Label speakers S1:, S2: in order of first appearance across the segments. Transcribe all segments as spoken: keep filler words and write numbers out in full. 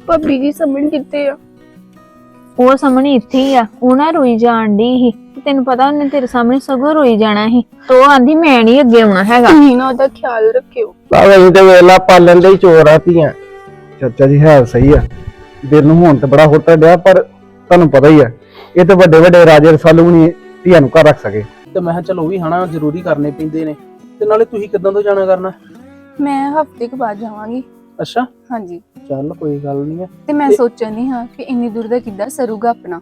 S1: ਭਾਬੀ ਜੀ ਸਮਝ ਕਿੱਥੇ ਆ?
S2: ਉਹ ਸਾਹਮਣੇ ਇੱਥੇ ਹੀ ਆ। ਉਹ ਨਾ ਰੋਈ ਜਾਣ ਦੀ ਸੀ, ਤੈਨੂੰ ਪਤਾ ਉਹਨੇ ਤੇਰੇ ਸਾਹਮਣੇ ਸਗੋਂ ਰੋਈ ਜਾਣਾ ਸੀ। ਤੋ ਉਹ ਆਂਦੀ ਮੈਂ ਨਹੀਂ ਅੱਗੇ ਆਉਣਾ ਹੈਗਾ।
S1: ਤੁਸੀਂ ਨਾ ਉਹਦਾ ਖਿਆਲ ਰੱਖਿਓ।
S3: ਭਾਵੇਂ ਤੇ ਵੇਲਾ ਪਾਲਣ ਦੇ ਹੀ ਚੋਰ ਆ ਧੀਆਂ। ਚਾਚਾ ਜੀ ਹੈ ਸਹੀ ਆ, ਦਿਲ ਨੂੰ ਹੁਣ ਤੇ ਬੜਾ ਹੋਟਾ ਡਿਆ, ਪਰ ਤੁਹਾਨੂੰ ਪਤਾ ਹੀ ਆ ਇਹ ਤੇ ਵੱਡੇ ਵੱਡੇ ਰਾਜੇ ਰਸਾਲੂ ਨਹੀਂ ਧੀਆਂ ਨੂੰ ਘਰ ਰੱਖ ਸਕੇ।
S4: ਤੇ ਮੈਂ ਕਿਹਾ ਚਲੋ ਉਹ ਵੀ ਹਨਾ ਜ਼ਰੂਰੀ ਕਰਨੇ ਪੈਂਦੇ ਨੇ। ਤੇ ਨਾਲੇ ਤੁਸੀਂ ਕਿੱਦਾਂ ਤੋਂ ਜਾਣਾ ਕਰਨਾ?
S1: ਮੈਂ ਹਫ਼ਤੇ ਕੁ ਬਾਅਦ ਜਾਵਾਂਗੀ।
S4: ਅੱਛਾ,
S1: ਹਾਂਜੀ।
S4: ਚੱਲ ਕੋਈ ਗੱਲ ਨਹੀਂ ਹੈ।
S1: ਤੇ ਮੈਂ ਸੋਚਣੀ ਹਾਂ ਕਿ ਇੰਨੀ ਦੂਰ ਦਾ ਕਿੱਦਾਂ ਸਰੂਗਾ ਆਪਣਾ।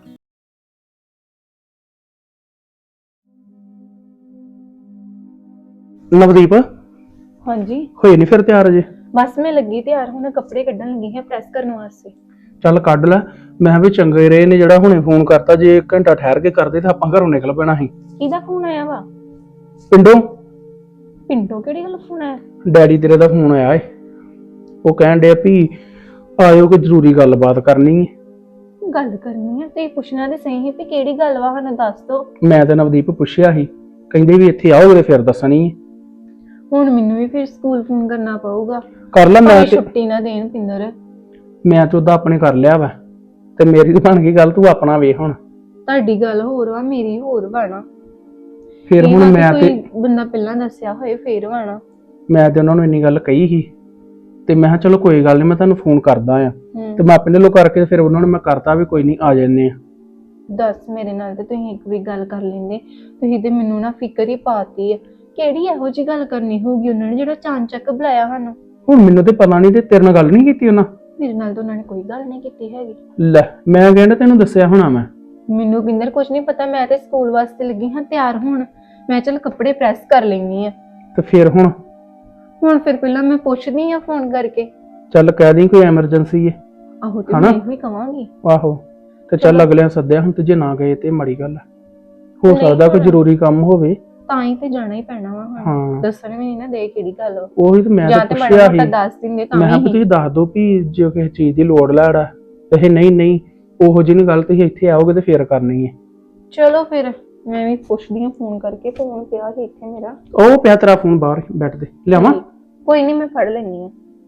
S4: ਨਵਦੀਪ
S1: ਹਾਂਜੀ
S4: ਹੋਏ ਨਹੀਂ ਫਿਰ ਤਿਆਰ ਅਜੇ?
S1: ਬਸ ਮੈਂ ਲੱਗੀ ਤਿਆਰ, ਹੁਣ ਕੱਪੜੇ ਕੱਢਣ ਲੱਗੀ ਹਾਂ ਪ੍ਰੈਸ ਕਰਨ ਵਾਸਤੇ।
S4: ਚੱਲ ਕੱਢ ਲੈ। ਮੈਂ ਵੀ ਚੰਗੇ ਰਹੇ ਨੇ ਜਿਹੜਾ ਹੁਣੇ ਫੋਨ ਕਰਤਾ। ਜੇ ਇੱਕ ਘੰਟਾ ਠਹਿਰ ਕੇ ਕਰਦੇ ਤਾਂ ਆਪਾਂ ਘਰੋਂ ਨਿਕਲ ਪੈਣਾ ਸੀ।
S1: ਇਹਦਾ ਫੋਨ ਆਇਆ ਵਾ?
S4: ਪਿੰਡੋਂ।
S1: ਪਿੰਡੋਂ ਕਿਹੜੀ ਗੱਲ ਫੋਨ ਆਇਆ?
S4: ਡੈਡੀ ਤੇਰੇ ਦਾ ਫੋਨ ਆਇਆ ਏ। ਉਹ ਕਹਿਣ ਡਿਆ ਵੀ ਆਇਓ ਕੋਈ ਜ਼ਰੂਰੀ ਗੱਲਬਾਤ ਕਰਨੀ ਹੈ।
S1: ਗੱਲ ਕਰਨੀ ਆ ਤੇ ਪੁੱਛਣਾ ਤੇ ਸਹੀ ਹੈ ਵੀ ਕਿਹੜੀ ਗੱਲ ਵਾ, ਸਾਨੂੰ ਦੱਸ ਦੋ।
S4: ਮੈਂ ਤੇ ਨਵਦੀਪ ਪੁੱਛਿਆ ਸੀ, ਕਹਿੰਦੇ ਵੀ ਇੱਥੇ ਆਓਗੇ ਫਿਰ ਦੱਸਣੀ ਹੈ।
S1: ਹੁਣ ਮੈਨੂੰ ਵੀ ਫਿਰ ਸਕੂਲ ਫੋਨ ਕਰਨਾ ਪਊਗਾ।
S4: ਕਰ ਲੈ। ਮੈਂ ਤੇ
S1: ਛੁੱਟੀ ਨਾ ਦੇਣ ਪਿੰਦਰ।
S4: ਮੈਂ ਤੇ ਉਹਦਾ ਆਪਣੇ ਕਰ ਲਿਆ ਵਾ, ਤੇ ਮੇਰੀ ਤਾਂ ਬਣ ਗਈ ਗੱਲ। ਤੂੰ ਆਪਣਾ ਵੇਖ ਹੁਣ।
S1: ਤੁਹਾਡੀ ਗੱਲ ਹੋਰ ਵਾ, ਮੇਰੀ ਹੋਰ ਵਾਣਾ।
S4: ਫਿਰ ਹੁਣ ਮੈਂ ਤੇ
S1: ਬੰਦਾ ਪਹਿਲਾਂ ਦੱਸਿਆ ਹੋਏ ਫੇਰ ਵਾਣਾ।
S4: ਮੈਂ ਤੇ ਉਹਨਾਂ ਨੂੰ ਇੰਨੀ ਗੱਲ ਕਹੀ ਸੀ, ਤੇ ਮੈਂ ਕਿਹਾ ਚਲੋ ਕੋਈ ਗੱਲ ਨਹੀਂ, ਮੈਂ ਤੁਹਾਨੂੰ ਫੋਨ ਕਰਦਾ ਆ। ਤੇ ਮੈਂ ਆਪਣੇ ਵੱਲੋਂ ਕਰਕੇ ਫਿਰ ਉਹਨਾਂ ਨੂੰ ਮੈਂ ਕਰਤਾ ਵੀ ਕੋਈ ਨਹੀਂ ਆ ਜਾਂਦੇ ਆ।
S1: ਦੱਸ, ਮੇਰੇ ਨਾਲ ਤੇ ਤੁਸੀਂ ਇੱਕ ਵੀ ਗੱਲ ਕਰ ਲੈਂਦੇ। ਤੁਸੀਂ ਤੇ ਮੈਨੂੰ ਨਾ ਫਿਕਰ ਹੀ ਪਾਤੀ ਆ। ਕਿਹੜੀ ਇਹੋ ਜਿਹੀ ਗੱਲ ਕਰਨੀ ਹੋਊਗੀ ਉਹਨਾਂ ਨੇ ਜਿਹੜਾ ਚਾਂਚੱਕ ਬੁਲਾਇਆ ਸਾਨੂੰ?
S4: ਹੁਣ ਮੈਨੂੰ ਤੇ ਪਤਾ ਨਹੀਂ, ਤੇ ਤੇਰੇ ਨਾਲ ਗੱਲ ਨਹੀਂ ਕੀਤੀ ਉਹਨਾਂ?
S1: ਮੇਰੇ ਨਾਲ ਤਾਂ ਉਹਨਾਂ ਨੇ ਕੋਈ ਗੱਲ ਨਹੀਂ ਕੀਤੀ ਹੈਗੀ।
S4: ਲੈ, ਮੈਂ ਕਹਿੰਦਾ ਤੈਨੂੰ ਦੱਸਿਆ ਹੋਣਾ ਮੈਂ।
S1: ਮੈਨੂੰ ਪਿੰਦਰ ਕੁਝ ਨਹੀਂ ਪਤਾ। ਮੈਂ ਤੇ ਸਕੂਲ ਵਾਸਤੇ ਲੱਗੀ ਹਾਂ ਤਿਆਰ ਹੋਣ। ਮੈਂ ਚੱਲ ਕੱਪੜੇ ਪ੍ਰੈਸ ਕਰ ਲੈਣੀ ਆ।
S4: ਤੇ ਫਿਰ ਹੁਣ
S1: ਹੁਣ ਫਿਰ ਪਹਿਲਾਂ ਮੈਂ ਪੁੱਛਦੀ ਆ ਫੋਨ ਕਰਕੇ।
S4: ਚੱਲ ਕਹਿ ਦੀ ਕੋਈ ਐਮਰਜੈਂਸੀ ਹੈ।
S1: ਆਹੋ ਤੇ ਮੈਂ ਇਹੋ ਹੀ ਕਵਾਂਗੀ।
S4: ਆਹੋ ਤੇ ਚੱਲ ਅਗਲਿਆਂ ਸੱਦਿਆ ਹੁਣ, ਤੇ ਜੇ ਨਾ ਗਏ ਤੇ ਮਾੜੀ ਗੱਲ ਹੈ। ਹੋ ਸਕਦਾ ਕੋਈ ਜ਼ਰੂਰੀ ਕੰਮ ਹੋਵੇ,
S1: ਤਾਂ ਹੀ ਤੇ ਜਾਣਾ ਹੀ ਪੈਣਾ ਵਾ
S4: ਹਾਂ।
S1: ਹੁਣ ਦੱਸਣ ਵੀ ਨਹੀਂ ਨਾ ਦੇ ਕਿਹੜੀ ਗੱਲ ਵਾ।
S4: ਉਹੀ ਤੇ ਮੈਂ ਤਾਂ ਪੁੱਛਿਆ ਸੀ।
S1: ਦੱਸ ਦਿੰਦੇ ਤਾਂ
S4: ਮੈਂ ਕਿਹਾ ਤੁਸੀਂ ਦੱਸ ਦਿਓ ਵੀ ਜੇ ਕਿਸੇ ਚੀਜ਼ ਦੀ ਲੋੜ ਲੈੜਾ ਤੇ ਨਹੀਂ ਨਹੀਂ ਉਹੋ ਜਿਹੀ ਗੱਲ ਤੁਸੀਂ ਇੱਥੇ ਆਓਗੇ ਤੇ ਫੇਰ ਕਰਨੀ ਹੈ।
S1: ਚਲੋ ਫਿਰ ਮੈਂ ਵੀ ਪੁੱਛਦੀ ਹਾਂ ਫੋਨ ਕਰਕੇ। ਫੋਨ ਪਿਆ ਸੀ ਇੱਥੇ ਮੇਰਾ।
S4: ਉਹ ਪਿਆ ਤੇਰਾ ਫੋਨ ਬਾਹਰ ਬੈਠ ਦੇ, ਲਿਆਵਾਂ?
S1: ਕੋਈ ਨਹੀਂ, ਮੈਂ ਫੜ ਲੈਣੀ ਆ।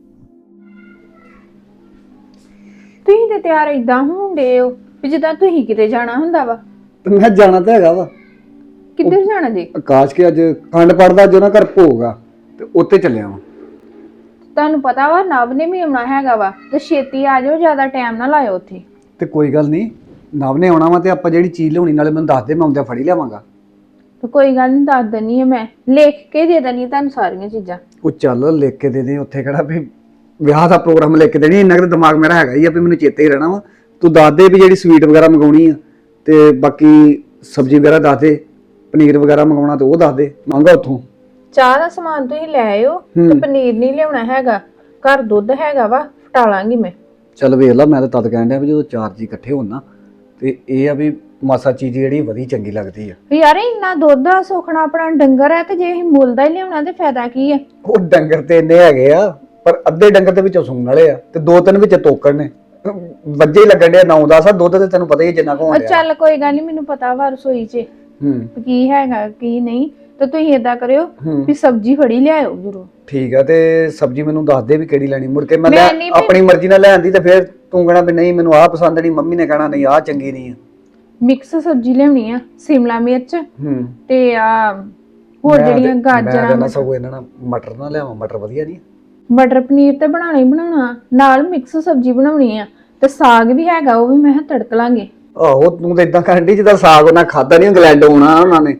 S1: ਤੁਸੀਂ ਤੇ ਤਿਆਰ ਏਦਾਂ ਹੁੰਦੇ ਹੋ ਵੀ ਜਿੱਦਾਂ ਤੁਸੀਂ ਕਿਤੇ ਜਾਣਾ ਹੁੰਦਾ ਵਾ।
S3: ਤੇ ਮੈਂ ਜਾਣਾ ਤਾਂ ਹੈਗਾ ਵਾ।
S1: ਕਿੱਧਰ ਜਾਣਾ ਜੀ?
S3: ਆਕਾਸ਼ ਕੇ ਅੱਜ ਖੰਡ ਪੜਦਾ ਜੋ ਨਾ ਘਰ ਭੋਗਾ, ਤੇ ਉੱਤੇ ਚੱਲਿਆ ਵਾ।
S1: ਤੁਹਾਨੂੰ ਪਤਾ ਵਾ ਨਵ ਨੇ ਵੀ ਆਉਣਾ ਹੈਗਾ ਵਾ, ਤੇ ਛੇਤੀ ਆ ਜਾਓ, ਜ਼ਿਆਦਾ ਟਾਈਮ ਨਾ ਲਾਇਓ ਉੱਥੇ।
S3: ਤੇ ਕੋਈ ਗੱਲ ਨਹੀਂ, ਨਵ ਨੇ ਆਉਣਾ ਵਾ ਤੇ ਆਪਾਂ ਜਿਹੜੀ ਚੀਜ਼ ਲਿਆਉਣੀ ਨਾਲੇ ਮੈਨੂੰ ਦੱਸ ਦੇ, ਮੈਂ ਆਉਂਦਿਆਂ ਫੜੀ ਲਿਆਵਾਂਗਾ।
S1: ਤੇ ਕੋਈ ਗੱਲ ਨਹੀਂ, ਦੱਸ ਦਿੰਨੀ ਆ। ਮੈਂ ਲਿਖ ਕੇ ਦੇ ਦੇਣੀ ਤੁਹਾਨੂੰ ਸਾਰੀਆਂ ਚੀਜ਼ਾਂ।
S3: ਉਹ ਚੱਲ ਲਿਖ ਕੇ ਦੇ ਦੇ, ਉੱਥੇ ਕਿਹੜਾ ਵੀ ਵਿਆਹ ਦਾ ਪ੍ਰੋਗਰਾਮ ਲਿਖ ਕੇ ਦੇਣੀ। ਇੰਨਾ ਕੁ ਦਿਮਾਗ ਮੇਰਾ ਹੈਗਾ ਹੀ ਆ ਵੀ ਮੈਨੂੰ ਚੇਤੇ ਹੀ ਰਹਿਣਾ ਵਾ। ਤੂੰ ਦੱਸ ਦੇ ਵੀ ਜਿਹੜੀ ਸਵੀਟ ਵਗੈਰਾ ਮੰਗਾਉਣੀ ਆ, ਤੇ ਬਾਕੀ ਸਬਜ਼ੀ ਵਗੈਰਾ ਦੱਸ ਦੇ, ਪਨੀਰ ਵਗੈਰਾ ਮੰਗਾਉਣਾ ਤੇ ਉਹ ਦੱਸ ਦੇ, ਮੰਗਾ ਉੱਥੋਂ।
S1: ਚਾਹ ਦਾ ਸਮਾਨ ਤੁਸੀਂ ਲੈ ਆਇਓ, ਤੇ ਪਨੀਰ ਨਹੀਂ ਲਿਆਉਣਾ ਹੈਗਾ। ਘਰ ਦੁੱਧ ਹੈਗਾ ਵਾ, ਫਟਾ ਲਾਂਗੀ ਮੈਂ।
S3: ਚੱਲ ਵੇਖ ਲਾ, ਮੈਂ ਤਾਂ ਤਦ ਕਹਿਣ ਡਿਆ ਵੀ ਜਦੋਂ ਚਾਰ ਜੀ ਇਕੱਠੇ ਹੋਣ ਨਾ, ਤੇ ਇਹ ਆ ਵੀ ਮਾਸਾ ਚੀਜ਼ ਜਿਹੜੀ ਵਧੀ ਚੰਗੀ ਲੱਗਦੀ ਆ।
S1: ਯਾਰ ਇੰਨਾ ਦੁੱਧ ਆ, ਸੁਖਣਾ ਆਪਣਾ ਡੰਗਰ ਹੈ, ਤੇ ਜੇ ਅਸੀਂ ਮੁੱਲ ਦਾ ਹੀ ਲਿਆਉਣਾ ਤੇ ਫਾਇਦਾ ਕੀ ਆ?
S3: ਉਹ ਡੰਗਰ ਤੇ ਇੰਨੇ ਹੈਗੇ ਆ, ਪਰ ਅੱਧੇ ਡੰਗਰ ਦੇ ਵਿੱਚੋਂ ਸੂਣ ਵਾਲੇ ਆ, ਤੇ ਦੋ ਤਿੰਨ ਵਿੱਚ ਤੋਕੜ ਨੇ। ਵੱਜੇ ਹੀ ਲੱਗਣ ਡਿਆ ਨੌ ਦਸ ਆ। ਦੁੱਧ ਤੇ ਤੈਨੂੰ ਪਤਾ ਹੀ ਜਿੰਨਾ ਕੁ ਹੋਣ ਡਿਆ।
S1: ਚੱਲ ਕੋਈ ਗੱਲ ਨਹੀਂ, ਮੈਨੂੰ ਪਤਾ ਵਾ ਰਸੋਈ 'ਚ
S3: ਹੂੰ
S1: ਕੀ ਹੈਗਾ ਕੀ ਨਹੀਂ। ਤੇ ਤੁਸੀਂ ਏਦਾਂ ਕਰਿਓ ਵੀ ਸਬਜ਼ੀ ਫੜੀ ਲਿਆਇਓ ਜ਼ਰੂਰ।
S3: ਠੀਕ ਆ, ਤੇ ਸਬਜ਼ੀ ਮੈਨੂੰ ਦੱਸ ਦੇ ਵੀ ਕਿਹੜੀ ਲੈਣੀ। ਮੁੜ ਕੇ ਮੈਂ
S1: ਮੈਂ ਨਹੀਂ
S3: ਆਪਣੀ ਮਰਜ਼ੀ ਨਾਲ ਲੈਣ ਦੀ, ਤੇ ਫਿਰ ਤੂੰ ਕਹਿਣਾ ਵੀ ਨਹੀਂ ਮੈਨੂੰ ਆਹ ਪਸੰਦ ਨਹੀਂ, ਮੰਮੀ ਨੇ ਕਹਿਣਾ ਨਹੀਂ ਆਹ ਚੰਗੀ ਨਹੀਂ ਆ।
S1: ਮਿਕਸ ਸਬਜ਼ੀ ਲਿਆਉਣੀ ਆ, ਸ਼ਿਮਲਾ ਮਿਰਚ
S3: ਹੂੰ
S1: ਤੇ ਆ ਹੋਰ ਜਿਹੜੀਆਂ ਗਾਜਰਾਂ।
S3: ਮੈਂ ਤਾਂ ਸਗੋਂ ਇਹਨਾਂ ਨਾਲ ਮਟਰ ਨਾ ਲਿਆਵਾਂ, ਮਟਰ ਵਧੀਆ ਨਹੀਂ?
S1: ਮਟਰ ਪਨੀਰ ਤੇ ਬਣਾਉਣਾ ਹੀ ਬਣਾਉਣਾ, ਨਾਲ ਮਿਕਸ ਸਬਜ਼ੀ ਬਣਾਉਣੀ ਆ, ਤੇ ਸਾਗ ਵੀ ਹੈਗਾ, ਉਹ ਵੀ ਮੈਂ ਤੜਕ ਲਾਂਗੇ।
S3: ਆਹੋ, ਤੂੰ ਤਾਂ ਇਦਾਂ ਕਰਨ ਡਈ ਜਿੱਦਾਂ ਸਾਗ ਉਹਨਾਂ ਖਾਦਾ ਨਹੀਂ, ਇੰਗਲੈਂਡ ਆਉਣਾ ਉਹਨਾਂ ਨੇ।